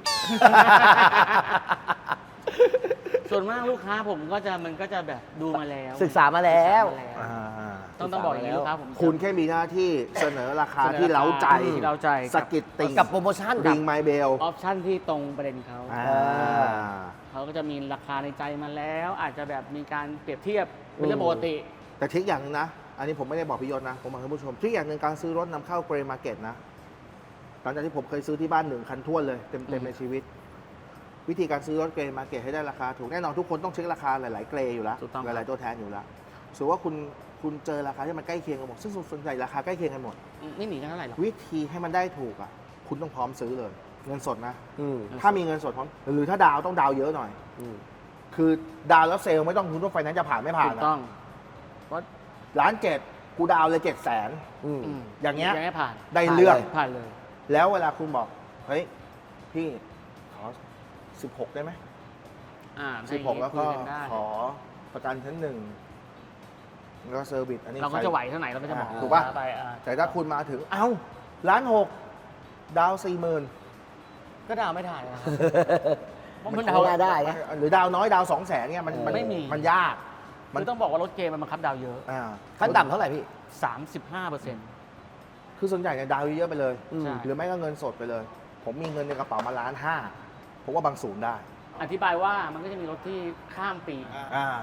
[SPEAKER 1] ส่วนมากลูกค้าผมก็จะมันก็จะแบบดูมาแล้ว
[SPEAKER 3] ศึกษามาแล้ว
[SPEAKER 1] ศึกษามาแล้ว
[SPEAKER 2] อ่า
[SPEAKER 1] ต้องต้องบอกอย่างนี้ลูกค้าผม
[SPEAKER 2] คุณแค่มีหน้าที่เสนอราคาที่เล้าใจ
[SPEAKER 1] ที่เล้าใจ
[SPEAKER 2] สะกิดติ่ง
[SPEAKER 3] กับโปรโมชั่น
[SPEAKER 2] ริงไมเบล
[SPEAKER 1] ออปชั่นที่ตรงประเด็นเขา
[SPEAKER 2] อ่า
[SPEAKER 1] เขาก็จะมีราคาในใจมาแล้ว อาจจะแบบมีการเปรียบเทียบเป็นเรื่องปกติ
[SPEAKER 2] แต่ทริคอย่างหนึงนะ อันนี้ผมไม่ได้บอกพี่ยศนะ ผมบอกให้ผู้ชมทริคอย่างหนึ่งการซื้อรถนำเข้าเกรย์มาร์เก็ตนะ หลังจากที่ผมเคยซื้อที่บ้านหนึ่งคันท้วนเลย เต็ม
[SPEAKER 1] อื
[SPEAKER 2] ๆ
[SPEAKER 1] ม
[SPEAKER 2] ในชีวิต วิธีการซื้อรถเกรย์มาร์เก็ตให้ได้ราคาถูกแน่นอนทุกคนต้องเช็คราคาหลาย ๆ เกรย์อยู่แล้ว
[SPEAKER 1] ถูกต้อง
[SPEAKER 2] หลาย ๆ ตัวแทนอยู่แล้วสมมติว่าคุณคุณเจอราคาที่มันใกล้เคียงกันหมดซึ่งส่วนใหญ่ราคาใกล้เคียงกันหมด
[SPEAKER 1] ไม่หนีกันเท่าไหร่หรอก
[SPEAKER 2] วิธีให้มันได้ถูกอ่ะ คุณต้องพร้อมซื้อเลย เงินสดนะ
[SPEAKER 3] อืม
[SPEAKER 2] ถ้ามีเงินสดพร้อมหรือถ้าดาวต้องดาวเยอะหน่อย
[SPEAKER 3] อืม
[SPEAKER 2] คือดาวแล้วเซลล์ไม่ต้องคุณว่าไฟนั้นซ์จะผ่านไม่ผ่าน
[SPEAKER 1] ถูก
[SPEAKER 2] นะ
[SPEAKER 1] ต้องเพราะ
[SPEAKER 2] ล้านเจ็ดกูดาวเลยเจ็ดแสน
[SPEAKER 3] อืม
[SPEAKER 1] อืม
[SPEAKER 2] อย่างเงี้ย
[SPEAKER 1] ยังไม่ผ่าน
[SPEAKER 2] ได้เรื่อง
[SPEAKER 1] ผ่านเลย
[SPEAKER 2] แล้วเวลาคุณบอก เฮ้ย พี่ขอสิบหกได้ไหม
[SPEAKER 1] อ่า
[SPEAKER 2] สิบหกแล้วก็
[SPEAKER 1] คุยนได้
[SPEAKER 2] ขอประกันชั้นหนึ่งแล้วก็เซอร์วิสอันนี้
[SPEAKER 1] เราก็
[SPEAKER 2] ใส่
[SPEAKER 1] จะไหวเท่าไหร่เราก็จะบอก
[SPEAKER 2] อ่าถูกป่ะ
[SPEAKER 1] ไปอ่า
[SPEAKER 2] แต่ถ้าคุณมาถึง เอ้าล้านหกดาวสี่หมื่น
[SPEAKER 1] ก็ดาวไม่ได้นะครับเพราะ
[SPEAKER 3] มั
[SPEAKER 1] มัน น
[SPEAKER 3] เอา
[SPEAKER 1] ดาว
[SPEAKER 3] ได้ไง
[SPEAKER 2] หรือดาวน้อยดาวสองแสนเนี่ยมันน
[SPEAKER 1] ไม่มี
[SPEAKER 2] มันยาก
[SPEAKER 1] มันต้องบอกว่ารถเกมมันบังคับดาวเยอะ
[SPEAKER 2] อ่า
[SPEAKER 3] ขั้นต่ำเท่าไหร่พี่
[SPEAKER 1] สามสิบห้าเปอร์เซ็นต์
[SPEAKER 2] คือส่วนใหญ่เนี่ยดาวเยอะๆไปเลย
[SPEAKER 3] อืม
[SPEAKER 1] ใช่
[SPEAKER 2] หรือไม่ก็เงินสดไปเลย ผมมีเงินในกระเป๋ามาล้านห้าผมว่าบางศูนย์ได้
[SPEAKER 1] อธิบายว่ามันก็จะมีรถที่ข้ามปี
[SPEAKER 2] อ่า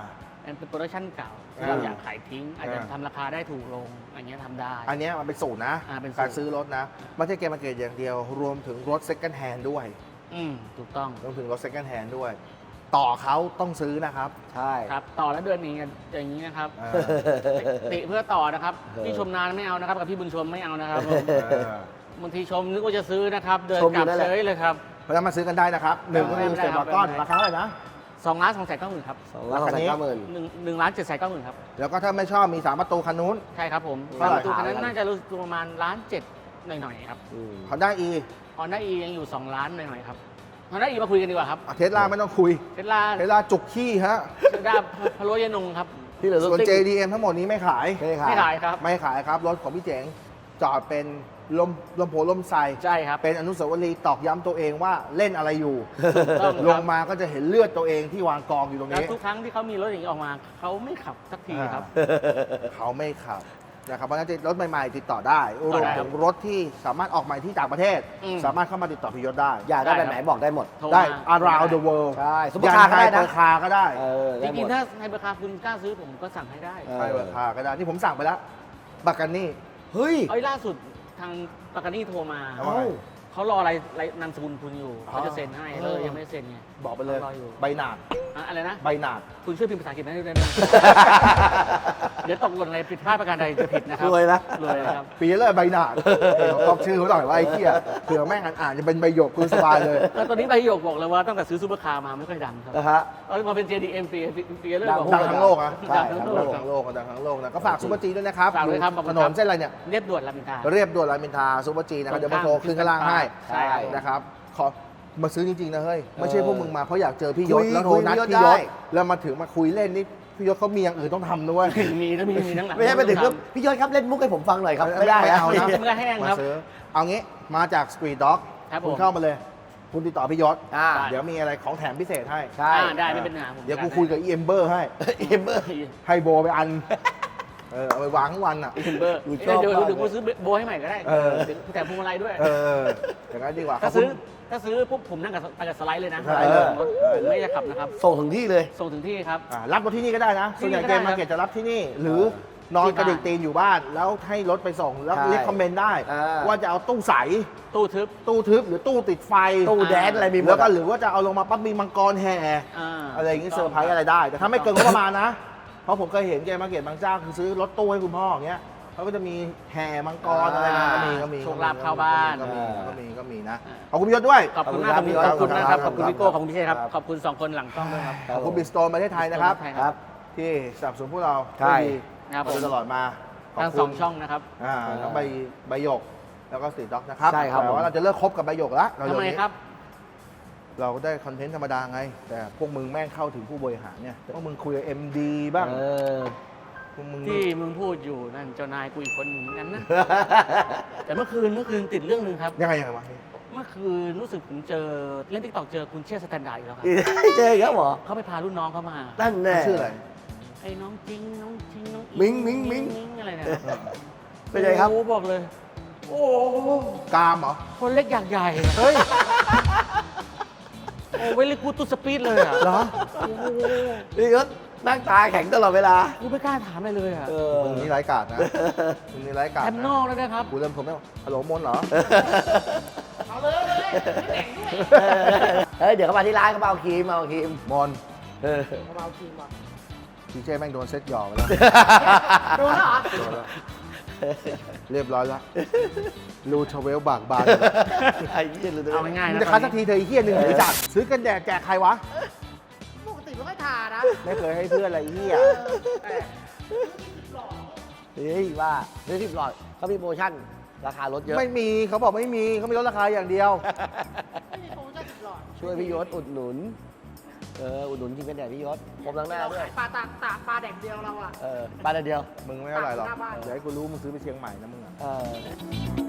[SPEAKER 1] มันเป็นโปรดักชั่นเก่า
[SPEAKER 2] อ่า
[SPEAKER 1] เราอยากขายทิ้ง อาจจะ
[SPEAKER 2] อ่า
[SPEAKER 1] ทำราคาได้ถูกลงอย่างเงี้ยทำได้
[SPEAKER 2] อันเนี้ยมันเป็นสูตรนะ
[SPEAKER 1] อ่าเป็นสูตร
[SPEAKER 2] การซื้อรถนะไม่ใช่เกมมาเกตอย่างเดียว รวมถึงรถ second hand ด้วย
[SPEAKER 1] อืมถูกต้อง
[SPEAKER 2] รวมถึงรถ second hand ด้วย ต่อเขาต้องซื้อนะครับ
[SPEAKER 3] ใช่
[SPEAKER 1] ครับต่อแล้วเดือนนี้อย่างนี้นะครับ
[SPEAKER 2] อ่า
[SPEAKER 1] ติเพื่อต่อนะครับ
[SPEAKER 3] เออ
[SPEAKER 1] พี่ชมนานไม่เอานะครับกับพี่บุญชมไม่เอานะครับผม
[SPEAKER 2] เออบ
[SPEAKER 1] างทีชมนึกว่าจะซื้อนะครับ เดิน
[SPEAKER 3] ชมอก
[SPEAKER 1] ลั
[SPEAKER 3] ยู่
[SPEAKER 1] บ
[SPEAKER 3] นั่นแหละ
[SPEAKER 1] เฉยเลยครับ
[SPEAKER 2] เพราะฉะนั้นมาซื้อกันได้นะครับหนึ่งก็คือ
[SPEAKER 1] ไม่
[SPEAKER 2] เซ
[SPEAKER 1] ได้
[SPEAKER 2] น
[SPEAKER 1] ครับ
[SPEAKER 2] บาร์ก้อน
[SPEAKER 1] ไม่ได้
[SPEAKER 2] ราคาเท่าไหร่นะ
[SPEAKER 1] สองล้านสองแสนเก้าหมื่นครับ
[SPEAKER 3] สองล้านสองแสนเก้าหมื่น
[SPEAKER 1] หนึ่งหนึ่งล้านเจ็ดแสนเก้าหมื่นครับ
[SPEAKER 2] แล้วก็ถ้าไม่ชอบมีสามประตูคันนู้น
[SPEAKER 1] ใช่ครับผม
[SPEAKER 2] เท่าไหร่
[SPEAKER 1] ประตูคันนั้นน่าจะรู้สึกประมาณล้านเจ็ดหน่อยๆครับ
[SPEAKER 3] อืม
[SPEAKER 2] เขาได้อี
[SPEAKER 1] ฮอนด้าอียังอยู่สองล้านหน่อยๆครับฮอนด้าอีมาคุยกันดีกว่าครับ
[SPEAKER 2] เทสลาไม่ต้องคุย
[SPEAKER 1] เทสลา
[SPEAKER 2] เทสลาจุกขี้ฮะ
[SPEAKER 1] เทสลาพะโล้ยนงครับ
[SPEAKER 3] ที่เหลือรถ
[SPEAKER 2] ส่วน
[SPEAKER 3] ซิ่ง
[SPEAKER 2] เจ ดี เอ็ม ทั้งหมดนี้ไม่ขาย
[SPEAKER 3] ไม่ได้ขาย
[SPEAKER 1] ไม่ขายครับ
[SPEAKER 2] ไม่ขายครับ รถของพี่เจ๋งจอดเป็นลมลมโพลมไซ
[SPEAKER 1] ใช่ครับ
[SPEAKER 2] เป็นอนุสาวรีย์ตอกย้ำตัวเองว่าเล่นอะไรอยู่
[SPEAKER 1] ถูกต้อง
[SPEAKER 2] ล
[SPEAKER 1] ค
[SPEAKER 2] ง
[SPEAKER 1] รับ
[SPEAKER 2] มาก็จะเห็นเลือดตัวเองที่วางกองอยู่ตรง
[SPEAKER 1] แล้ว
[SPEAKER 2] นี้
[SPEAKER 1] ทุกครั้งที่เขามีรถอย่างนี้ออกมาเขาไม่ขับสักทีครับ
[SPEAKER 2] เขาไม่ขับนะครับเพราะฉะนั้นรถใหม่ๆ ติดต่อได้ร
[SPEAKER 1] ต่อ
[SPEAKER 2] วม
[SPEAKER 1] ได้
[SPEAKER 2] ถึงรถที่สามารถออกใหม่ที่ต่างประเทศ
[SPEAKER 1] อืม
[SPEAKER 2] สามารถเข้ามาติดต่อพิยศได้
[SPEAKER 3] อยากได้แบบไหนบอกได้หมด
[SPEAKER 1] โทร
[SPEAKER 2] ได้
[SPEAKER 1] มา
[SPEAKER 2] around the world
[SPEAKER 3] ใช่ซุปเปอร์คาร์ก็ได้นะ
[SPEAKER 2] ไฮเปอร์คาร์ก็ได้
[SPEAKER 3] เออ
[SPEAKER 1] จ
[SPEAKER 3] ได้หม
[SPEAKER 1] ริง
[SPEAKER 3] ด
[SPEAKER 1] ๆถ้าในราคาคุณกล้าซื้อผมก็สั่งให้ได้
[SPEAKER 3] เออ
[SPEAKER 2] ไฮเปอร์คาร์ก็ได้ที่ผมสั่งไปแล้วบากันนี่
[SPEAKER 3] เฮ้ย
[SPEAKER 1] เอ้ยล่าสุดทางปากานี่โทรมา
[SPEAKER 2] เอ้า
[SPEAKER 1] เขารออะไรอะไรนามสกุลคุณอยู่
[SPEAKER 2] อ๋อ
[SPEAKER 1] เขาจะเซ็นให้
[SPEAKER 2] เออ
[SPEAKER 1] เลยยังไม่ได้เซ็นไง
[SPEAKER 2] บอกไปเลย
[SPEAKER 1] รออยู่
[SPEAKER 2] ใบหนาด
[SPEAKER 1] อ่ะอะไรนะ
[SPEAKER 2] ใบหนาด
[SPEAKER 1] คุณช่วยพิมพ์ภาษาอังกฤษให้ด้วยนะ เดี๋ยวตกหล่นอะไรผิดพลาดประการใดจะผิดนะครับ
[SPEAKER 3] รวยนะ
[SPEAKER 1] รวยนะครับ
[SPEAKER 2] ปีเลยใบหนาดเออตอบชื่อเขาหน่อยว่าไอ้เหี้ยเผื่อแม่งอ่านๆจะเป็นใบหยกคุณสบายเลย
[SPEAKER 1] แล้วตอนนี้ใบหยกบอกเลยว่าตั้งแต่ซื้อซูเปอร์คาร์มาไม่ค่อยดังครับ
[SPEAKER 3] นะฮะ
[SPEAKER 1] เออมาเป็น เจ ดี เอ็ม ปีปีเริ่ม
[SPEAKER 3] ดัง
[SPEAKER 1] บอก
[SPEAKER 2] ดังทั้งโลกอะ
[SPEAKER 3] ใช่
[SPEAKER 1] ดังทั้งโล
[SPEAKER 2] ดั
[SPEAKER 1] ก
[SPEAKER 2] งทั้งโลกดังทั้งโลกนะก็ฝากซูเปอร์จีด้วยนะครับ
[SPEAKER 1] ฝากด้วยครับขอบคุ
[SPEAKER 2] ถ
[SPEAKER 1] ณ
[SPEAKER 2] น
[SPEAKER 1] ครับ
[SPEAKER 2] นเส้นอะไรเนี่ย
[SPEAKER 1] เรียบด่วนรามอินทรา
[SPEAKER 2] เรียบด่วนรามอินทราซูเปอร์จีนะครับ
[SPEAKER 1] ต
[SPEAKER 2] เดี๋
[SPEAKER 1] ร
[SPEAKER 2] ยว
[SPEAKER 1] ง
[SPEAKER 2] มา
[SPEAKER 1] ข้าม
[SPEAKER 2] โทรขึ้นข้างล่างให้
[SPEAKER 1] ใช่ครับ
[SPEAKER 2] นะครับขอมาซื้อจริงๆนะเฮ้ยไม่ใช่พวกมึงมาเพราะอยากเจอพี่ย
[SPEAKER 3] คุ
[SPEAKER 2] ศ
[SPEAKER 3] ย
[SPEAKER 2] แล้วโทรนัด
[SPEAKER 3] คุย
[SPEAKER 2] พี่ย
[SPEAKER 3] ได้
[SPEAKER 2] ศแล้วมาถึงมาคุยเล่นนี่พี่ยศเขามีอย่างอื่นต้องทำด้วย
[SPEAKER 1] มีนะมีมีทั้งหลัง
[SPEAKER 3] ไม่ใช่ไปถึงก็พี่ยศครับเล่นมุกให้ผมฟังหน่อยครับ ไม่ได้
[SPEAKER 2] ไม่
[SPEAKER 3] นะ
[SPEAKER 2] เอานะ
[SPEAKER 1] เมื่อแห้ง
[SPEAKER 2] มา
[SPEAKER 1] ครับ
[SPEAKER 2] ซื้อเอางี้มาจากสตรีทด็อก
[SPEAKER 1] ครับผม
[SPEAKER 2] คุณเข้ามาเลย คุณติดต่อพี่ยศ
[SPEAKER 3] อ่า
[SPEAKER 2] เดี๋ยวมีอะไรของแถมพิเศษให้
[SPEAKER 3] ใช่
[SPEAKER 1] อ่าได้ไม่เป็นปัญหาผม
[SPEAKER 2] เดี๋ยวกูคุยกับอีเอ็มเบอร์ให้
[SPEAKER 3] เอ็มเบอร์
[SPEAKER 2] ให้โบไปอันเออเอาไปวางทั้งวันอ่ะ
[SPEAKER 1] อินเบอร์
[SPEAKER 3] กูช
[SPEAKER 1] เดี๋
[SPEAKER 3] อบ
[SPEAKER 1] ยวเดี๋ยว
[SPEAKER 3] มาก
[SPEAKER 1] เดี๋ยวกูซื้อโบให้ใหม่ก็ได้
[SPEAKER 2] เออ
[SPEAKER 1] แต่พวงมาลัยด้วย
[SPEAKER 2] เอออย่างนั้นดีกว่า
[SPEAKER 1] ถ้า
[SPEAKER 2] ขอบคุ
[SPEAKER 1] ซื้อ
[SPEAKER 2] ณ
[SPEAKER 1] ถ้าซื้อปุ๊บผมนั่งกับไปกับสไลด์เลยนะ
[SPEAKER 2] สไลด์เลย
[SPEAKER 1] ผมไม่จะขับนะครับ
[SPEAKER 3] ส่งถึงที่เลย
[SPEAKER 1] ส่งถึงที่ครับ
[SPEAKER 2] อ่ารับรถที่นี่ก็ได้นะ ส่วนใหญ่
[SPEAKER 1] ที่
[SPEAKER 2] เก
[SPEAKER 1] นี่
[SPEAKER 2] ม
[SPEAKER 1] ก็ได้
[SPEAKER 2] มาเก็ตจะรับที่นี่ หรือนอนกระดิกตีนอยู่บ้าน แล้วให้รถไปส่ง แล้ว
[SPEAKER 3] ใช่
[SPEAKER 2] เรียกคอมเมนต์ได้
[SPEAKER 3] อ่า
[SPEAKER 2] ว่าจะเอาตู้ใส
[SPEAKER 1] ตู้ทึบ
[SPEAKER 2] ตู้ทึบหรือตู้ติดไฟ
[SPEAKER 3] ตู้แดนอะไรมีหม
[SPEAKER 2] แล้
[SPEAKER 3] ด
[SPEAKER 2] วก็
[SPEAKER 3] อะ
[SPEAKER 2] หรือว่าจะเอาลงมาปั๊บมีมังกรแห่
[SPEAKER 1] อ่า
[SPEAKER 2] อะไรอย่างงี้เซอร์ไพรส์อะไรได้ แต่ถ้าไม่เกินงบประมาณนะ เพราะผมเคยเห็นเกมมาเก็ตบางเจ้าคือซื้อรถตู้ให้คุณพ่ออย่างเงี้ยเขาก็จะมีแห่มังกรอะไรมาก็มีก็มี
[SPEAKER 1] โชคลาภเข้าบ้าน
[SPEAKER 2] ก็มี
[SPEAKER 3] อ่า
[SPEAKER 2] ก็มีก็มีนะขอบคุณพี่ยศด้วย
[SPEAKER 1] ขอบคุณมาก
[SPEAKER 3] ข
[SPEAKER 1] ข
[SPEAKER 3] อ
[SPEAKER 1] อ
[SPEAKER 3] บบ คุ
[SPEAKER 1] คุณ ณ
[SPEAKER 3] ครับ
[SPEAKER 1] นะครับ
[SPEAKER 2] ข
[SPEAKER 1] ข
[SPEAKER 2] อ
[SPEAKER 1] อ
[SPEAKER 2] บบ คุ
[SPEAKER 1] คุณ ณ
[SPEAKER 2] ครับ
[SPEAKER 1] พี่โก้ขอบคุณพี่เชษครับ ขอบคุณสองคนหลังกล้องด้วยครับ
[SPEAKER 2] ขอบคุณบิสโตนประเทศไทยนะครับ
[SPEAKER 1] ใช่
[SPEAKER 3] ครับ
[SPEAKER 2] ที่สนับสนุนพวกเรา
[SPEAKER 3] ใช่
[SPEAKER 2] ได้ดี
[SPEAKER 1] ครับผม
[SPEAKER 2] มาโดยตลอดมาขบ
[SPEAKER 1] ทั้ง
[SPEAKER 2] คุณ
[SPEAKER 1] สองช่องนะครับ
[SPEAKER 2] อ่าทั้งใบใบหยกแล้วก็สตรีทด็อกนะครับ
[SPEAKER 3] ใช่ครับ
[SPEAKER 2] แต่
[SPEAKER 3] ผม
[SPEAKER 2] ว่าเราจะเลิกคบกับใบหยกแล้ว
[SPEAKER 1] ทำไมครับ
[SPEAKER 2] เราก็ได้คอนเทนต์ธรรมดาไง แต่พวกมึงแม่งเข้าถึงผู้บริหารเนี่ยพวกมึงคุยกับ เอ็ม ดี บ้าง
[SPEAKER 3] เออ
[SPEAKER 2] พวกมึง
[SPEAKER 1] ที่มึงพูดอยู่นั่นเจ้านายกูอีกคนหนึ่งเหมือนกันนะ แต่เมื่อคืนเมื่อคืนติดเรื่องหนึ่งครับ
[SPEAKER 2] ยังไงยังไงวะ
[SPEAKER 1] เมื่อคืนรู้สึกผมเจอเล่นติ๊กต็อกเจอคุณเชี่ยสแตนดาร์ดอีกแล้วครับ
[SPEAKER 3] เจออีกแล้วเหรอ
[SPEAKER 1] เขาไปพารุ่นน้องเขามา
[SPEAKER 3] นั่นแน่
[SPEAKER 2] ชื่ออะไร
[SPEAKER 1] ไอ้น้องจริงน้องจริงน้องอิ
[SPEAKER 3] มิ้งมิ้งมิ้ง
[SPEAKER 1] มิ้งอะไรเนี่ย
[SPEAKER 3] เป็นไงครับ
[SPEAKER 1] โอ้บอกเลย โอ้
[SPEAKER 2] กามเหรอ
[SPEAKER 1] คนเล็กอยากใหญ่
[SPEAKER 2] เฮ้ย
[SPEAKER 1] โอ้เวลิกูตุสปีดเลยอ่ะ
[SPEAKER 2] เหรอ
[SPEAKER 1] โอ้โห
[SPEAKER 3] พี่ยศนั่งตาแข็งตลอดเวลา
[SPEAKER 1] กูไม่กล้าถามอะไรเลยอ่ะ
[SPEAKER 3] เออ
[SPEAKER 2] มึงนี่ไร้กาดนะมึงนี่ไร้กาด
[SPEAKER 1] แอมนอกแล้วนะครับ
[SPEAKER 2] กูเริ่มผมแล้วฮัลโหลมนเหรอ
[SPEAKER 4] เอาเลยเอาเลยไม่แต่งด้วย
[SPEAKER 3] เฮ้ย เดี๋ยวเขามาที่ร้านเขามาเอาครีมมาเอาครีม
[SPEAKER 2] มน
[SPEAKER 3] เออ
[SPEAKER 4] เอาเอาจริงว่ะ
[SPEAKER 2] พีเจแม่งโดนเซ็ตหยอกไปแล้ว
[SPEAKER 4] โดนแล้วเหรอ
[SPEAKER 2] โดนแล้วเรียบร้อยแล้วรูทเวลบากบาน
[SPEAKER 3] ไอ้เหี้ยเลย
[SPEAKER 1] เอาง่ายๆ
[SPEAKER 2] มึง
[SPEAKER 1] นะ
[SPEAKER 2] จะคัดสักทีเธอไอ้เหี้ยหนึ่งหรือจัดซื้อกันแดดแจกใครวะ
[SPEAKER 4] ปกติไม่ค่อยทานะ
[SPEAKER 2] ไม่เคยให้เพื่อนอะไรเหี้ย
[SPEAKER 4] แต่
[SPEAKER 3] เฮ้ยว่าซื้อสิบหลอดเขามีโปรโมชั่น ราคาลดเยอะ
[SPEAKER 2] ไม่มีเขาบอกไม่มีเขามีลดราคาอย่างเดียว
[SPEAKER 4] ไม่มีโปรโมชั่นสิบหลอด
[SPEAKER 3] ช่วยพี่ยศอุดหนุน เออ อุดหนุนจริงกันแดดพี่ยศผมล้างหน้า
[SPEAKER 4] เรา
[SPEAKER 3] ด้วย
[SPEAKER 4] ขายปลาตากตากปลาแดกเดียวเราอ่ะ
[SPEAKER 3] เออปลาเดียว
[SPEAKER 2] มึงไม่เท่าไหร่หรอก
[SPEAKER 4] หน้าบ้าน
[SPEAKER 2] เดี๋ยวให้กูรู้มึงซื้อไปเชียงใหม่นะมึงอะ
[SPEAKER 3] เออ